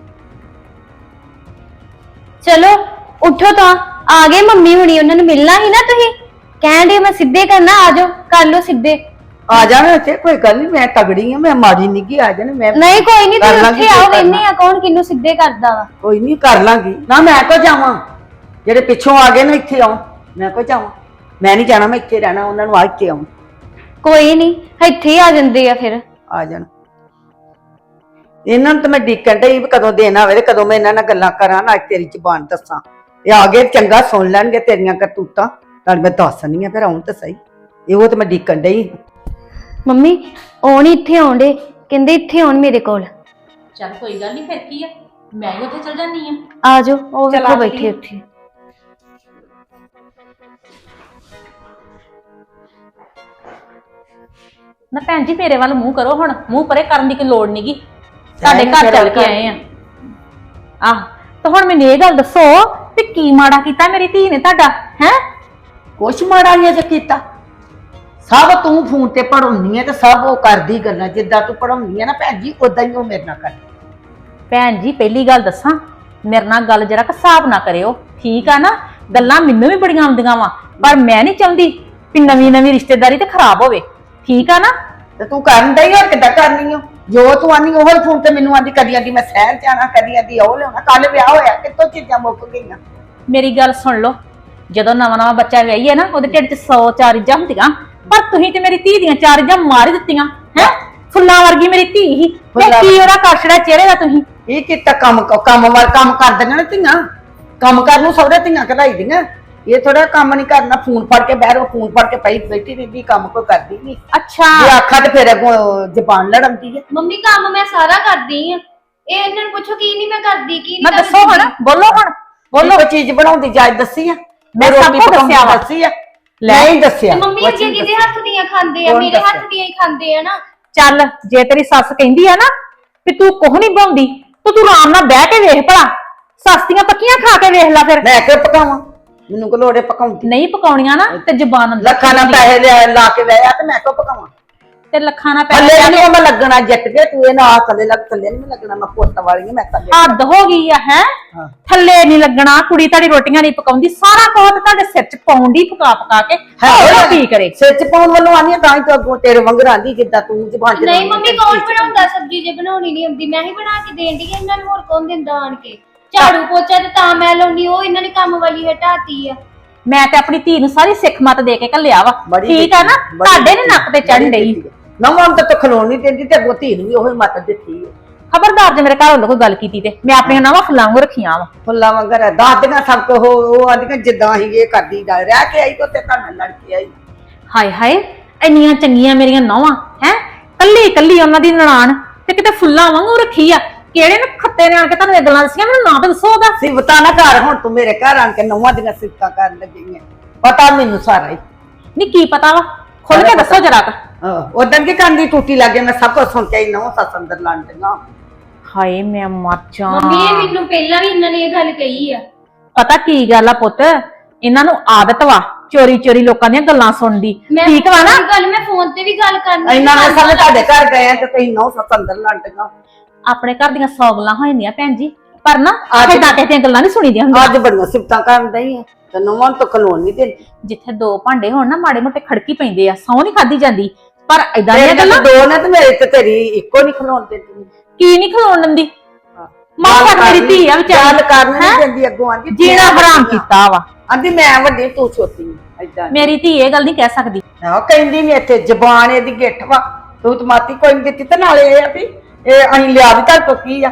Speaker 2: ਚਲੋ ਉੱਠੋ ਤਾਂ, ਆ ਗਏ ਮੰਮੀ ਹੁਣੀ, ਉਹਨਾਂ ਨੂੰ ਮਿਲਣਾ ਹੀ ਨਾ। ਤੁਸੀਂ ਕਹਿੰਦੇ ਮੈਂ ਸਿੱਧੇ ਕਰਨਾ, ਆ ਜਾਓ ਕਰ ਲਓ ਸਿੱਧੇ।
Speaker 1: ਆ ਜਾਣਾ ਇੱਥੇ, ਕੋਈ ਗੱਲ ਨਹੀਂ, ਮੈਂ ਤਗੜੀ ਆ, ਮੈਂ ਮਾੜੀ ਨਿੱਗੀ। ਆ ਜਾਣਾ ਮੈਂ।
Speaker 2: ਨਹੀਂ ਕੋਈ ਨਹੀਂ,
Speaker 1: ਕਰ
Speaker 2: ਤੁਸੀਂ
Speaker 1: ਲਾਂਗੀ
Speaker 2: ਉੱਥੇ
Speaker 1: ਜੋ
Speaker 2: ਆਓ,
Speaker 1: ਕਰਨਾ।
Speaker 2: ਵੇਨੇ ਆ ਕੌਣ ਕਿਹਨੂੰ ਸਿੱਧੇ ਕਰਦਾ ਵਾ।
Speaker 1: ਕੋਈ ਨਹੀਂ ਕਰ ਲਾਂਗੀ ਨਾ, ਮੈਂ ਕੋ ਜਾਵਾਂ? ਜਿਹੜੇ ਪਿੱਛੋਂ ਆ ਗਏ ਨੇ ਇੱਥੇ ਆਉਂ, ਮੈਂ ਕੋ ਜਾਵਾਂ? ਮੈਂ ਨਹੀਂ ਜਾਣਾ, ਮੈਂ ਇੱਥੇ ਰਹਿਣਾ, ਉਹਨਾਂ ਨੂੰ ਆ ਕੇ ਆਉਂ।
Speaker 2: ਕੋਈ ਨਹੀਂ, ਇੱਥੇ ਹੀ ਆ ਜਾਂਦੇ ਆ ਫਿਰ।
Speaker 1: ਆ ਜਾਣ। ਇਹਨਾਂ ਨੂੰ ਤਾਂ ਮੈਂ ਡੀਕਣ ਡਈ ਵੀ ਕਦੋਂ ਦੇਣਾ ਹੋਵੇ ਤੇ ਕਦੋਂ ਮੈਂ ਇਹਨਾਂ ਨਾਲ ਗੱਲਾਂ ਕਰਾਂ, ਨਾ ਤੇਰੀ ਜ਼ੁਬਾਨ ਦੱਸਾਂ। ਇਹ ਆ ਗਏ ਚੰਗਾ ਸੁਣ ਲੈਣਗੇ ਤੇਰੀਆਂ ਕਰਤੂਤਾਂ, ਨਾਲ ਮੈਂ ਦੱਸਣੀ ਆ, ਫਿਰ ਆਉਣ ਤਾਂ ਸਹੀ। ਇਹੋ ਤੇ ਮੈਂ ਡੀਕਣ ਡਈ।
Speaker 2: ਮੰਮੀ ਉਹ ਨਹੀਂ ਇੱਥੇ ਆਉਂਦੇ, ਕਹਿੰਦੇ ਇੱਥੇ ਆਉਣ ਮੇਰੇ ਕੋਲ।
Speaker 3: ਚੱਲ ਕੋਈ ਗੱਲ ਨਹੀਂ, ਫਿਰ ਕੀ ਆ, ਮੈਂ ਹੀ ਉੱਥੇ ਚਲ ਜਾਨੀ ਆ।
Speaker 2: ਆ ਜਾਓ, ਉਹ
Speaker 3: ਚੱਲ
Speaker 2: ਵੇਖੋ
Speaker 3: ਆ
Speaker 2: ਬੈਠੇ
Speaker 3: ਜਾਈਏ।
Speaker 2: ਉੱਥੇ।
Speaker 3: ਨਾ ਭੈਣ ਜੀ ਮੇਰੇ ਵੱਲ ਮੂੰਹ ਕਰੋ, ਹੁਣ ਮੂੰਹ ਪਰੇ ਕਰਨ ਦੀ ਕੋਈ ਲੋੜ ਨਹੀਂਗੀ, ਤੁਹਾਡੇ ਘਰ ਚੱਲ ਕੇ ਆਏ ਆ। ਆਹ ਤਾਂ ਹੁਣ ਮੈਨੂੰ ਇਹ ਗੱਲ ਦੱਸੋ ਵੀ ਕੀ ਮਾੜਾ ਕੀਤਾ ਮੇਰੀ ਧੀ ਨੇ ਤੁਹਾਡਾ? ਹੈ
Speaker 1: ਕੁਛ ਮਾੜਾ ਨਹੀਂ ਜੇ ਕੀਤਾ। ਸਭ ਤੂੰ ਫੋਨ ਤੇ ਪੜਾਉਣੀ ਹੈ ਤੇ ਸਭ ਉਹ ਕਰਦੀ ਗੱਲਾਂ, ਜਿੱਦਾਂ ਤੂੰ ਪੜਾਉਣੀ ਹੈ ਨਾ ਭੈਣ ਜੀ, ਉਦਾਂ ਹੀ ਉਹ ਮੇਰੇ ਨਾਲ ਕਰਦੀ।
Speaker 3: ਭੈਣ ਜੀ ਪਹਿਲੀ ਗੱਲ ਦੱਸਾਂ, ਮੇਰੇ ਨਾਲ ਗੱਲ ਜਰਾ ਹਿਸਾਬ ਨਾ ਕਰਿਓ, ਠੀਕ ਆ ਨਾ? ਗੱਲਾਂ ਮੈਨੂੰ ਵੀ ਬੜੀਆਂ ਆਉਂਦੀਆਂ ਵਾ, ਪਰ ਮੈਂ ਨਹੀਂ ਚਾਹੁੰਦੀ ਵੀ ਨਵੀਂ ਨਵੀਂ ਰਿਸ਼ਤੇਦਾਰੀ ਤੇ ਖਰਾਬ ਹੋਵੇ, ਠੀਕ ਆ ਨਾ?
Speaker 1: ਤੇ ਤੂੰ ਕਰਨ ਡਈ ਹੋਰ ਕਿੱਦਾਂ ਕਰਨੀ ਓ? ਜੋ ਤੂੰ ਆਨੀ ਉਹ ਫੋਨ ਤੇ ਮੈਨੂੰ ਆਂਦੀ ਕਦੀ ਆਂਦੀ ਮੈਂ ਸ਼ਹਿਰ ਜਾਣਾ, ਕਦੀ ਆਂਦੀ ਉਹ ਲਿਆਉਣਾ। ਕੱਲ ਵਿਆਹ ਹੋਇਆ, ਕਿੱਥੋਂ ਚੀਜ਼ਾਂ ਮੁੱਕ ਗਈਆਂ।
Speaker 3: ਮੇਰੀ ਗੱਲ ਸੁਣ ਲਓ, ਜਦੋਂ ਨਵਾਂ ਨਵਾਂ ਬੱਚਾ ਵਿਆਹੀ ਹੈ ਨਾ, ਉਹਦੇ ਢਿੱਡ 'ਚ ਸੌ ਚਾਰ ਇੱਜਾਂ ਹੁੰਦੀਆਂ, ਪਰ ਤੁਸੀਂ ਤੇ ਮੇਰੀ ਧੀ ਦੀਆਂ ਚਾਰ ਇੱਜਾਂ ਮਾਰ ਹੀ ਦਿੱਤੀਆਂ ਹੈ। ਫੁੱਲਾਂ ਵਰਗੀ ਮੇਰੀ ਧੀ ਹੀ, ਤੇ ਕੀ ਉਹਦਾ ਕਰ ਛੜਿਆ ਚਿਹਰੇ ਦਾ ਤੁਸੀਂ?
Speaker 1: ਇਹ ਕੀਤਾ ਕੰਮ ਕੰਮ ਵਾਰ ਕੰਮ ਕਰ ਦਿੰਦੇ ਨੇ ਧੀਆਂ, ਕੰਮ ਕਰਨ ਨੂੰ ਸਹੁਰੇ ਧੀਆਂ ਕਢਾਈ ਦੀਆਂ। ਇਹ ਥੋੜਾ ਕੰਮ ਨਹੀਂ ਕਰਨਾ, ਫੋਨ ਫੜ ਕੇ ਬਹਿ ਰੋ, ਫੋਨ ਫੜ ਕੇ ਪਈ ਬੈਠੀ ਰਹਿੰਦੀ, ਕੰਮ ਕੋਈ ਕਰਦੀ ਨਹੀਂ।
Speaker 3: ਅੱਛਾ,
Speaker 1: ਜੇ ਆਖਾ ਤੇ ਫਿਰ ਅੱਗੋਂ ਜ਼ਬਾਨ ਲੜਾਉਂਦੀ ਹੈ।
Speaker 6: ਮੰਮੀ ਕੰਮ ਮੈਂ ਸਾਰਾ ਕਰਦੀ ਆ, ਇਹ ਇਹਨਾਂ ਨੂੰ ਪੁੱਛੋ ਕੀ ਨਹੀਂ ਮੈਂ ਕਰਦੀ, ਕੀ
Speaker 3: ਮੈਂ
Speaker 6: ਨਹੀਂ
Speaker 3: ਦੱਸੋ ਹੁਣ, ਬੋਲੋ ਹੁਣ
Speaker 1: ਬੋਲੋ। ਕੋਈ ਚੀਜ਼ ਬਣਾਉਂਦੀ ਜਾਇਜ਼ ਦੱਸੀ ਆ?
Speaker 3: ਮੈਂ ਸਭ
Speaker 1: ਰੋਟੀ
Speaker 3: ਕੁਝ
Speaker 1: ਪਕਾਉਂਦੀ
Speaker 3: ਦੱਸਿਆ ਵਾ।
Speaker 1: ਦੱਸੀ ਆ? ਨਹੀਂ ਦੱਸਿਆ।
Speaker 6: ਤੇ ਮੰਮੀ ਅੱਗੇ ਕਿਹਦੇ ਹੱਥ ਦੀਆਂ ਖਾਂਦੇ ਆ?
Speaker 1: ਕੌਣ
Speaker 6: ਮੇਰੇ ਹੱਥ
Speaker 1: ਦੱਸਿਆ?
Speaker 6: ਦੀਆਂ ਹੀ ਖਾਂਦੇ ਆ ਨਾ।
Speaker 3: ਚੱਲ, ਜੇ ਤੇਰੀ ਸੱਸ ਕਹਿੰਦੀ ਆ ਨਾ ਵੀ ਤੂੰ ਕੁਝ ਨਹੀਂ ਬਣਾਉਂਦੀ, ਤੂੰ ਤੂੰ ਆਰਾਮ ਨਾਲ ਬਹਿ ਕੇ ਵੇਖ ਭਲਾ, ਸੱਸ ਦੀਆਂ ਪੱਕੀਆਂ ਖਾ ਕੇ ਵੇਖ ਲੈ ਫਿਰ।
Speaker 1: ਮੈਂ ਕਿਉਂ ਪਕਾਵਾਂ? ਮੈਨੂੰ ਕੋ ਲੋੜੇ ਪਕਾਉਂਦੀ।
Speaker 3: ਨਹੀਂ ਪਕਾਉਣੀਆਂ ਨਾ ਤੇ ਜ਼ਬਾਨ ਅੰਦਰ
Speaker 1: ਲੱਖਾਂ ਨਾਲ ਪੈਸੇ ਲਿਆ ਲਾ ਕੇ ਵਿਆਹਿਆ ਤੇ ਮੈਂ ਕਿਉਂ ਪਕਾਵਾਂ?
Speaker 3: ਤੇ ਲੱਖਾਂ ਨਾਲ
Speaker 1: ਥੱਲੇ
Speaker 3: ਪੈਸੇ
Speaker 1: ਨਹੀਂ ਮੈਂ ਲੱਗਣਾ ਜੱਟ ਕੇ, ਤੂੰ ਇਹ ਨਾ ਥੱਲੇ ਲੱਗ, ਥੱਲੇ ਨਹੀਂ ਲੱਗਣਾ। ਮੈਂ ਪੁੱਤ ਵਾਲੀ ਮੈਂ ਥੱਲੇ।
Speaker 3: ਹੱਦ ਹੋ ਗਈ ਆ ਹੈ।
Speaker 1: ਹਾਂ।
Speaker 3: ਥੱਲੇ ਨਹੀਂ ਲੱਗਣਾ, ਕੁੜੀ ਤੁਹਾਡੀ ਰੋਟੀਆਂ ਨਹੀਂ ਪਕਾਉਂਦੀ, ਸਾਰਾ ਕੁਝ ਤੁਹਾਡੇ ਸਿਰ 'ਚ ਪਾਉਂਦੀ ਪਕਾ ਪਕਾ ਕੇ। ਹੋਰ ਕੀ ਕਰੇ?
Speaker 1: ਸਿਰ ਚ ਪਾਉਣ ਵੱਲੋਂ ਆਨੀ ਤਾਂ ਹੀ ਤਾਂ ਅੱਗੋਂ ਤੇਰੇ ਵਾਂਗਰ ਆਂਦੀ ਜਿੱਦਾਂ ਤੂੰ ਜ਼ਬਾਨ ਚ
Speaker 6: ਨਹੀਂ ਮੰਮੀ, ਕੌਣ ਬਣਾਉਂਦਾ ਸਬਜ਼ੀ? ਜੇ ਬਣਾਉਣੀ ਨਹੀਂ ਆਉਂਦੀ ਮੈਂ ਹੀ ਬਣਾ ਕੇ ਦੇਣ ਦੀ, ਇਹਨਾਂ ਨੂੰ ਹੋਰ ਕੌਣ ਦਿੰਦਾ ਆਣ ਕੇ? ਝਾੜੂ ਪੋਚਾ ਤੇ ਤਾਂ ਮੈਂ ਲਾਉਣੀ, ਉਹ ਇਹਨਾਂ ਨੇ ਕੰਮ ਵਾਲੀ ਹਟਾਤੀ ਆ।
Speaker 3: ਮੈਂ ਤੇ ਆਪਣੀ ਧੀ ਨੂੰ ਸਾਰੀ ਸਿੱਖ ਮਤ ਦੇ ਕੇ ਘੱਲਿਆ ਵਾ,
Speaker 1: ਬੜੀ
Speaker 3: ਠੀਕ ਆ ਨਾ?
Speaker 1: ਬੜੀ
Speaker 3: ਤੁਹਾਡੇ ਨੇ ਨੱਕ ਤੇ ਚੜ੍ਹਨ ਡਈ।
Speaker 1: ਨਾ ਮਨ ਤਾਂ ਖਲੋਣ ਨਹੀਂ ਦਿੰਦੀ ਤੇ ਅੱਗੋਂ ਧੀ ਨੂੰ ਵੀ ਉਹੀ ਮੱਤ ਦਿੱਤੀ ਹੈ।
Speaker 3: ਖਬਰਦਾਰ ਜੇ ਮੇਰੇ ਘਰ ਵੱਲੋਂ ਕੋਈ ਗੱਲ ਕੀਤੀ ਤੇ ਮੈਂ ਆਪਣੀਆਂ ਨਵਾਂ ਫੁੱਲਾਂ ਨੂੰ ਰੱਖੀਆਂ ਵਾ।
Speaker 1: ਫੁੱਲਾਂ ਵਾਂਗਰ ਦਾਦੀਆਂ ਸਭ ਕੋ ਉਹ ਆਂਦੀਆਂ ਜਿੱਦਾਂ ਹੀ ਇਹ ਕਰਦੀ ਜਾ ਰਹਿ ਕੇ ਆਈ ਤੇ ਉੱਤੇ ਘਰ ਨਾਲ ਲੜ ਕੇ ਆਈ।
Speaker 3: ਹਾਏ ਹਾਏ, ਇੰਨੀਆਂ ਚੰਗੀਆਂ ਮੇਰੀਆਂ ਨੌਵਾਂ ਹੈ, ਕੱਲੀ ਕੱਲੀ ਉਹਨਾਂ ਦੀ ਨਨਾਣ ਤੇ ਕਿਤੇ ਫੁੱਲਾਂ ਵਾਂਗੂ ਰੱਖੀ ਆ। ਕਿਹੜੇ ਨੇ ਖੱਤੇ ਨੇ ਆਣ ਕੇ ਤੁਹਾਨੂੰ ਇਹ ਗੱਲਾਂ ਦੱਸੀਆਂ? ਮੈਨੂੰ ਨਾਂ ਤਾਂ ਦੱਸੋ ਉਹਦਾ।
Speaker 1: ਸਿਫਤਾਂ ਨਾ ਕਰ, ਹੁਣ ਤੂੰ ਮੇਰੇ ਘਰ ਆਣ ਕੇ ਨੌਵਾਂ ਦੀਆਂ ਸਿਫਤਾਂ ਕਰਨ ਲੱਗੀ ਹੈ। ਪਤਾ ਮੈਨੂੰ ਸਾਰਾ ਹੀ।
Speaker 3: ਨਹੀਂ ਕੀ ਪਤਾ ਵਾ, ਖੁੱਲ ਕੇ ਦੱਸੋ ਜਰਾ ਕ।
Speaker 1: ਉਦੋਂ ਕੀ ਕਰਦੀ ਟੂਟੀ ਲੱਗੇ, ਮੈਂ ਸਭ ਕੁਝ ਸੁਣ ਕੇ ਆਈ। ਨੌ ਸੱਸ ਅੰਦਰ ਲੜਦੀਆਂ।
Speaker 3: ਹਾਏ ਮੈਂ ਮਰ ਜਾ।
Speaker 6: ਮੰਮੀ ਇਹ ਮੈਨੂੰ ਪਹਿਲਾਂ ਵੀ ਇਹਨਾਂ ਨੇ ਇਹ ਗੱਲ ਕਹੀ ਆ।
Speaker 3: ਪਤਾ ਕੀ ਗੱਲ ਆ ਪੁੱਤ, ਇਹਨਾਂ ਨੂੰ ਆਦਤ ਵਾ ਚੋਰੀ ਚੋਰੀ ਲੋਕਾਂ ਦੀਆਂ ਗੱਲਾਂ ਸੁਣਨ ਦੀ,
Speaker 6: ਮੈਂ
Speaker 3: ਠੀਕ ਵਾ ਨਾ?
Speaker 6: ਗੱਲ ਮੈਂ ਫੋਨ ਤੇ ਵੀ ਗੱਲ ਕਰਨੀ।
Speaker 1: ਇਹਨਾਂ ਨੇ ਸਾਰੇ ਤੁਹਾਡੇ ਘਰ ਗਏ ਤੇ ਤੁਸੀਂ ਨੌ ਸੱਸ ਅੰਦਰ ਲੜਦੀਆਂ।
Speaker 3: ਆਪਣੇ ਘਰ ਦੀਆਂ ਸੌ ਗੱਲਾਂ ਹੋ ਜਾਂਦੀਆਂ ਭੈਣ ਜੀ, ਪਰ ਨਾ
Speaker 1: ਅੱਜ-
Speaker 3: ਏਦਾਂ ਕਿਸੇ ਦੀਆਂ ਗੱਲਾਂ ਨਹੀਂ ਸੁਣੀਦੀਆਂ ਹੁੰਦੀਆਂ।
Speaker 1: ਅੱਜ ਬੜੀਆਂ ਸਿਫਤਾਂ ਕਰਨ ਦਈ ਹੈ ਤੇ ਨੌਵਾਂ ਤੋਂ ਖਲੋਣ ਨਹੀਂ ਦਿੰਦੀ।
Speaker 3: ਜਿੱਥੇ ਦੋ ਭਾਂਡੇ ਹੋਣ ਨਾ, ਮਾੜੇ ਮੋਟੇ ਖੜਕੀ ਪੈਂਦੇ ਆ, ਸੌ ਨਹੀਂ ਖਾਦੀ ਜਾਂਦੀ। ਪਰ ਏਦਾਂ ਦੀਆਂ
Speaker 1: ਤੇਰੀਆਂ
Speaker 3: ਗੱਲਾਂ
Speaker 1: ਦੋ ਨੇ ਤੇ ਮੇਰੇ ਤੇ ਤੇਰੀ ਇੱਕੋ ਨਹੀਂ ਖਲੋਣ ਦਿੰਦੀ।
Speaker 3: ਕੀ ਨਹੀਂ ਖਲੋਣ ਦਿੰਦੀ? ਮਾਂ ਤੱਕ ਮੇਰੀ ਧੀ ਆ
Speaker 1: ਗੱਲ
Speaker 3: ਵਿਚਾਰੀ,
Speaker 1: ਕਰਨ ਨਹੀਂ
Speaker 3: ਹੈਂ?
Speaker 1: ਦਿੰਦੀ। ਅੱਗੋਂ ਆਂਦੀ
Speaker 3: ਜੀਣਾ ਹਰਾਮ ਕੀਤਾ ਵਾ।
Speaker 1: ਆਂਦੀ ਮੈਂ ਵੱਡੀ ਤੂੰ ਛੋਟੀ ਏਦਾਂ।
Speaker 3: ਮੇਰੀ ਧੀ ਇਹ ਗੱਲ ਨਹੀਂ ਕਹਿ ਸਕਦੀ।
Speaker 1: ਆਹ ਕਹਿੰਦੀ ਨਹੀਂ, ਇੱਥੇ ਜ਼ਬਾਨ ਇਹਦੀ ਗਿੱਠ ਵਾ। ਤੂੰ ਤਮਾਤੀ ਕੋਈ ਨਹੀਂ ਦਿੱਤੀ ਤੇ ਨਾਲੇ ਇਹ ਆ ਵੀ ਇਹ ਅਸੀਂ ਲਿਆ ਵੀ ਤੁਹਾਡੇ ਤੋਂ ਕੀ ਆ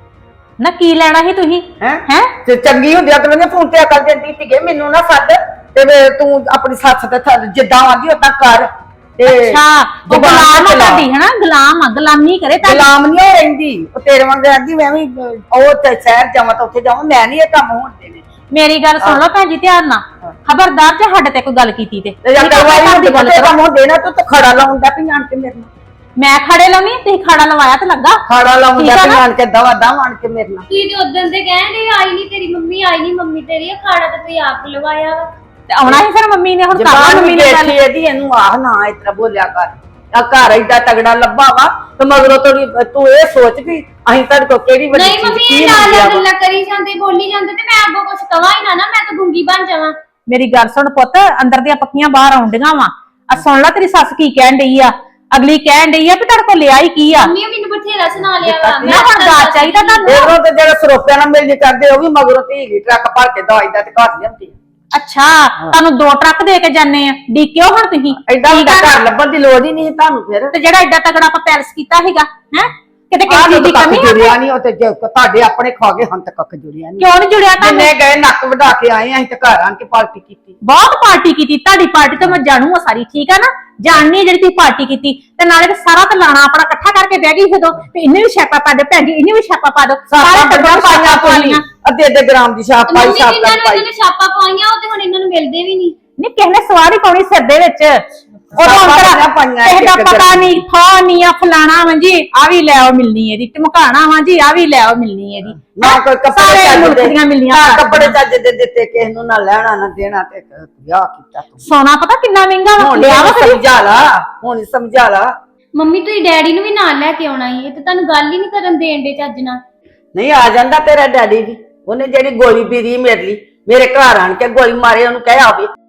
Speaker 3: ਨਾ ਕੀ ਲੈਣਾ ਸੀ ਤੁਸੀਂ?
Speaker 1: ਹੈ
Speaker 3: ਹੈ
Speaker 1: ਤੇ ਚੰਗੀ ਹੁੰਦੀ ਆ ਤੇ ਮੈਨੂੰ ਫੋਨ ਤੇ ਅਕਲ ਦਿੰਦੀ ਸੀਗੇ, ਮੈਨੂੰ ਨਾ ਸੱਦ ਤੇ ਵੇ ਤੂੰ ਆਪਣੀ ਸੱਸ ਦੇ ਥੱਲੇ ਜਿੱਦਾਂ ਆਂਦੀ ਉਦਾਂ ਕਰ। ਤੇ
Speaker 3: ਅੱਛਾ, ਉਹ
Speaker 1: ਜ਼ੁਬਾਨ
Speaker 3: ਗੁਲਾਮ ਆ
Speaker 1: ਚਲਾ।
Speaker 3: ਤੁਹਾਡੀ, ਹਨਾ? ਗੁਲਾਮ ਆ, ਗੁਲਾਮੀ ਕਰੇ ਤਾਂ।
Speaker 1: ਗੁਲਾਮ ਨਹੀਂ ਹੋ ਰਹਿੰਦੀ ਉਹ ਤੇਰੇ ਵਾਂਗ ਆਂਦੀ ਮੈਂ ਵੀ ਅਹ, ਉਹ ਤੇ ਸ਼ਹਿਰ ਜਾਵਾਂ ਤਾਂ ਉੱਥੇ ਜਾਵਾਂ। ਮੈਂ ਨਹੀਂ ਇਹ ਕੰਮ ਹੋਣ ਦੇਣੇ।
Speaker 3: ਮੇਰੀ ਗੱਲ ਸੁਣ ਲਓ ਭੈਣ ਜੀ ਧਿਆਨ ਨਾਲ, ਖਬਰਦਾਰ ਜੇ ਸਾਡੇ ਤੇ ਕੋਈ ਗੱਲ ਕੀਤੀ ਤੇ
Speaker 1: ਤੇ ਜਾਂ
Speaker 3: ਠੀਕ ਆ,
Speaker 1: ਕਰਵਾਈ
Speaker 3: ਘਰ ਦੀ
Speaker 1: ਹੁੰਦੀ
Speaker 3: ਗੱਲ
Speaker 1: ਤੇ
Speaker 3: ਕਰੋ।
Speaker 1: ਕੰਮ ਹੋ ਦੇਣਾ ਤੂੰ ਤਾਂ ਖੜਾ ਲਾਉਂਦਾ ਪਈ ਆਣ ਕੇ ਮੇਰੇ ਨਾਲ।
Speaker 3: ਮੈਂ ਖੜੇ ਲਾਉਣੀ, ਤੁਸੀਂ ਖਾੜਾ ਲਵਾਇਆ ਤੇ ਲੱਗਾ।
Speaker 1: ਖਾੜਾ ਲਾਉਂਦਾ
Speaker 3: ਠੀਕ ਆ
Speaker 1: ਪਈ
Speaker 3: ਨਾ?
Speaker 1: ਆਣ ਕੇ ਦਵਾ ਦਵ ਆਣ ਕੇ ਮੇਰੇ ਨਾਲ।
Speaker 6: ਕੀ ਤੇ ਉਦੋਂ ਦੇ ਕਹਿੰਦੇ ਆਈ ਨਹੀਂ ਤੇਰੀ ਮੰਮੀ, ਆਈ ਨਹੀਂ ਮੰਮੀ ਤੇਰੀ, ਅਖਾੜਾ ਤਾਂ ਤੁਸੀਂ ਆਪ ਲਵਾਇਆ ਵਾ।
Speaker 3: ਤੇ ਆਉਣਾ ਹੀ ਫਿਰ ਮੰਮੀ ਨੇ, ਹੁਣ ਕਰ ਲਾ
Speaker 1: ਜਵਾਨ
Speaker 3: ਮੰਮੀ
Speaker 1: ਵੀ
Speaker 3: ਨੇ ਗੱਲ।
Speaker 1: ਬੈਠੀ ਇਹਦੀ, ਇਹਨੂੰ ਆਹ ਨਾ ਇਸ ਤਰ੍ਹਾਂ ਬੋਲਿਆ ਕਰ। ਆ ਘਰ ਏਡਾ ਤਗੜਾ ਲੱਭਾ ਵਾ ਤੇ ਮਗਰੋਂ ਤੋੜੀ ਤੂੰ ਇਹ ਸੋਚ ਵੀ ਅਸੀਂ ਤੁਹਾਡੇ ਕੋਲ ਕਿਹੜੀ ਵੱਡੀ
Speaker 6: ਨਹੀਂ
Speaker 1: ਚੀਜ਼
Speaker 6: ਮੰਮੀ,
Speaker 1: ਕੀ
Speaker 6: ਇਹ ਨਾਲ
Speaker 1: ਮੰਗਿਆ
Speaker 6: ਨਾਲ
Speaker 1: ਵਾ।
Speaker 6: ਗੱਲਾਂ ਕਰੀ ਜਾਂਦੇ, ਬੋਲੀ ਜਾਂਦੇ ਤੇ ਮੈਂ ਅੱਗੋਂ ਕੁਝ ਕਵਾਂ ਹੀ ਨਾ ਨਾ, ਮੈਂ ਤਾਂ ਗੁੰਗੀ ਬਣ ਜਾਵਾਂ।
Speaker 3: ਮੇਰੀ ਗੱਲ ਸੁਣ ਪੁੱਤ, ਅੰਦਰ ਦੀਆਂ ਪੱਕੀਆਂ ਬਾਹਰ ਆਉਂਦੀਆਂ ਵਾ। ਆ ਸੁਣ ਲੈ ਤੇਰੀ ਸੱਸ ਕੀ ਕਹਿਣ ਡਈ ਆ। ਅਗਲੀ ਕਹਿਣ ਡਈ ਆ ਵੀ ਤੁਹਾਡੇ ਕੋਲ ਲਿਆ ਹੀ ਕੀ ਆ।
Speaker 6: ਮੰਮੀ ਮੈਨੂੰ ਬਥੇਰਾ ਸੁਣਾ ਲਿਆ ਵਾ।
Speaker 3: ਮੈਂ ਹੁਣ ਦਾਜ ਚਾਹੀਦਾ ਤੁਹਾਨੂੰ?
Speaker 1: ਉਧਰੋਂ ਤੇ ਜਿਹੜੇ ਸਰੋਪਿਆਂ ਨਾਲ ਮਿਲਣੀ ਕਰਦੇ ਉਹ ਵੀ ਮਗਰੋਂ ਧੀ ਟਰੱਕ ਭਰ ਕੇ ਦਵਾਈ ਦਾ ਤੇ ਘਰ ਲਿਆਉਂਦੀ।
Speaker 3: ਅੱਛਾ, ਤੁਹਾਨੂੰ ਦੋ ਟਰੱਕ ਦੇ ਕੇ ਜਾਂਦੇ ਆ, ਡੀਕਿਓ ਹੁਣ ਤੁਸੀਂ।
Speaker 1: ਐਡਾ ਵੱਡਾ ਘਰ ਲੱਭਣ ਦੀ ਲੋੜ ਹੀ ਨਹੀਂ ਸੀ ਤੁਹਾਨੂੰ ਫਿਰ।
Speaker 3: ਤੇ ਜਿਹੜਾ ਐਡਾ ਤਗੜਾ ਆਪਾਂ ਪੈਲਸ ਕੀਤਾ ਸੀਗਾ, ਹੈ ਕਿਤੇ
Speaker 1: ਆਹ
Speaker 3: ਕਿਸੇ ਦੀ
Speaker 1: ਕੱਖ
Speaker 3: ਕਮੀ ਆ?
Speaker 1: ਜੁੜਿਆ ਨਹੀਂ ਉਹ ਤੇ ਜੇ ਤੁਹਾਡੇ ਆਪਣੇ ਖਾ ਗਏ ਹਨ ਤੇ ਕੱਖ ਜੁੜਿਆ ਨਹੀਂ।
Speaker 3: ਕਿਉਂ ਨਹੀਂ ਜੁੜਿਆ ਤੁਹਾਨੂੰ?
Speaker 1: ਜਿੰਨੇ ਗਏ ਨੱਕ ਵਢਾ ਕੇ ਆਏ ਅਸੀਂ ਤੇ ਘਰ ਆਣ ਕੇ ਪਾਰਟੀ ਕੀਤੀ।
Speaker 3: ਬਹੁਤ ਪਾਰਟੀ ਕੀਤੀ, ਤੁਹਾਡੀ ਪਾਰਟੀ ਤਾਂ ਮੈਂ ਜਾਣੂ ਆ ਸਾਰੀ, ਠੀਕ ਆ ਨਾ? ਜਾਣਨੀ ਆ ਜਿਹੜੀ ਤੁਸੀਂ ਪਾਰਟੀ ਕੀਤੀ। ਤੇ ਨਾਲੇ ਤੇ ਸਾਰਾ ਤੇ ਲਾਣਾ ਆਪਣਾ ਇਕੱਠਾ ਕਰਕੇ ਬਹਿ ਗਈ ਜਦੋਂ ਤੇ ਇਹਨੇ ਵੀ ਛਾਪਾ ਪਾ ਦੇ ਭੈਣ ਜੀ, ਇਹਨੇ ਵੀ ਛਾਪਾ ਪਾ ਦੋ, ਸਾਰੇ ਟੱਬਰ ਪਾਈਆਂ ਪਾਈਆਂ।
Speaker 1: ਅੱਧੇ ਅੱਧੇ ਗ੍ਰਾਮ ਦੀ ਛਾਪ ਪਾਈ,
Speaker 6: ਮੰਮੀ
Speaker 1: ਛਾਪ
Speaker 6: ਜਿਨ੍ਹਾਂ
Speaker 1: ਕਰ
Speaker 6: ਨੇ
Speaker 1: ਪਾਈ।
Speaker 6: ਇਹਨਾਂ ਨੇ ਛਾਪਾ ਪਾਈਆਂ ਉਹ ਤੇ ਹੁਣ ਇਹਨਾਂ ਨੂੰ ਮਿਲਦੇ ਵੀ ਨਹੀਂ।
Speaker 3: ਨਹੀਂ ਕਿਸੇ ਨੇ ਸਵਾਰੀ ਪਾਉਣੀ ਸਿਰ ਦੇ ਵਿੱਚ, ਉਦੋਂ
Speaker 1: ਛਾਪਾਂ
Speaker 3: ਅੰਦਰ
Speaker 1: ਪਾਈਆਂ
Speaker 3: ਕਿਸੇ ਦਾ
Speaker 1: ਇੱਕ
Speaker 3: ਪਤਾ
Speaker 1: ਗ੍ਰਾਮ।
Speaker 3: ਨਹੀਂ, ਥਾ ਨਹੀਂ ਆ ਫਲਾਣਾ ਵਾ ਜੀ, ਆ ਵੀ ਲੈ ਆਓ ਮਿਲਣੀ ਇਹਦੀ, ਟਮਕਾਣਾ ਵਾ ਜੀ, ਆ ਵੀ ਲੈ ਆਓ ਮਿਲਣੀ ਇਹਦੀ।
Speaker 1: ਨਾ ਕੋਈ ਕੱਪੜੇ
Speaker 3: ਸਾਰੇ
Speaker 1: ਚੱਜ
Speaker 3: ਮੁਲਕ
Speaker 1: ਦੇ
Speaker 3: ਦੀਆਂ ਮਿਲਣੀਆਂ
Speaker 1: ਨਾ
Speaker 3: ਕਰਦੀਆਂ।
Speaker 1: ਕੱਪੜੇ ਚੱਜ ਦੇ ਦਿੱਤੇ ਕਿਸੇ ਨੂੰ, ਨਾ ਲੈਣਾ ਨਾ ਦੇਣਾ ਤੇ ਵਿਆਹ ਕੀਤਾ ਤੂੰ।
Speaker 3: ਸੋਨਾ ਪਤਾ ਕਿੰਨਾ ਮਹਿੰਗਾ ਵਾ,
Speaker 1: ਹੁਣ
Speaker 3: ਲਿਆ ਵਾ ਕਦੀ?
Speaker 1: ਸਮਝਾ ਲਾ, ਹੁਣ ਸਮਝਾ ਲਾ।
Speaker 6: ਮੰਮੀ ਤੁਸੀਂ ਡੈਡੀ ਨੂੰ ਵੀ ਨਾਲ ਲੈ ਕੇ ਆਉਣਾ ਸੀ, ਇਹ ਤੇ ਤੁਹਾਨੂੰ ਗੱਲ ਹੀ ਨਹੀਂ ਕਰਨ ਦੇਣ ਦੇ ਚੱਜ ਨਾਲ।
Speaker 1: ਨਹੀਂ ਆ ਜਾਂਦਾ ਤੇਰਾ ਡੈਡੀ ਵੀ, ਉਹਨੇ ਜਿਹੜੀ ਗੋਲੀ ਪੀਰੀ ਮੇਰੇ ਲਈ, ਮੇਰੇ ਘਰ ਆਣ ਕੇ ਗੋਲੀ ਮਾਰੇ ਉਹਨੂੰ ਕਹਿ ਆਵੇ।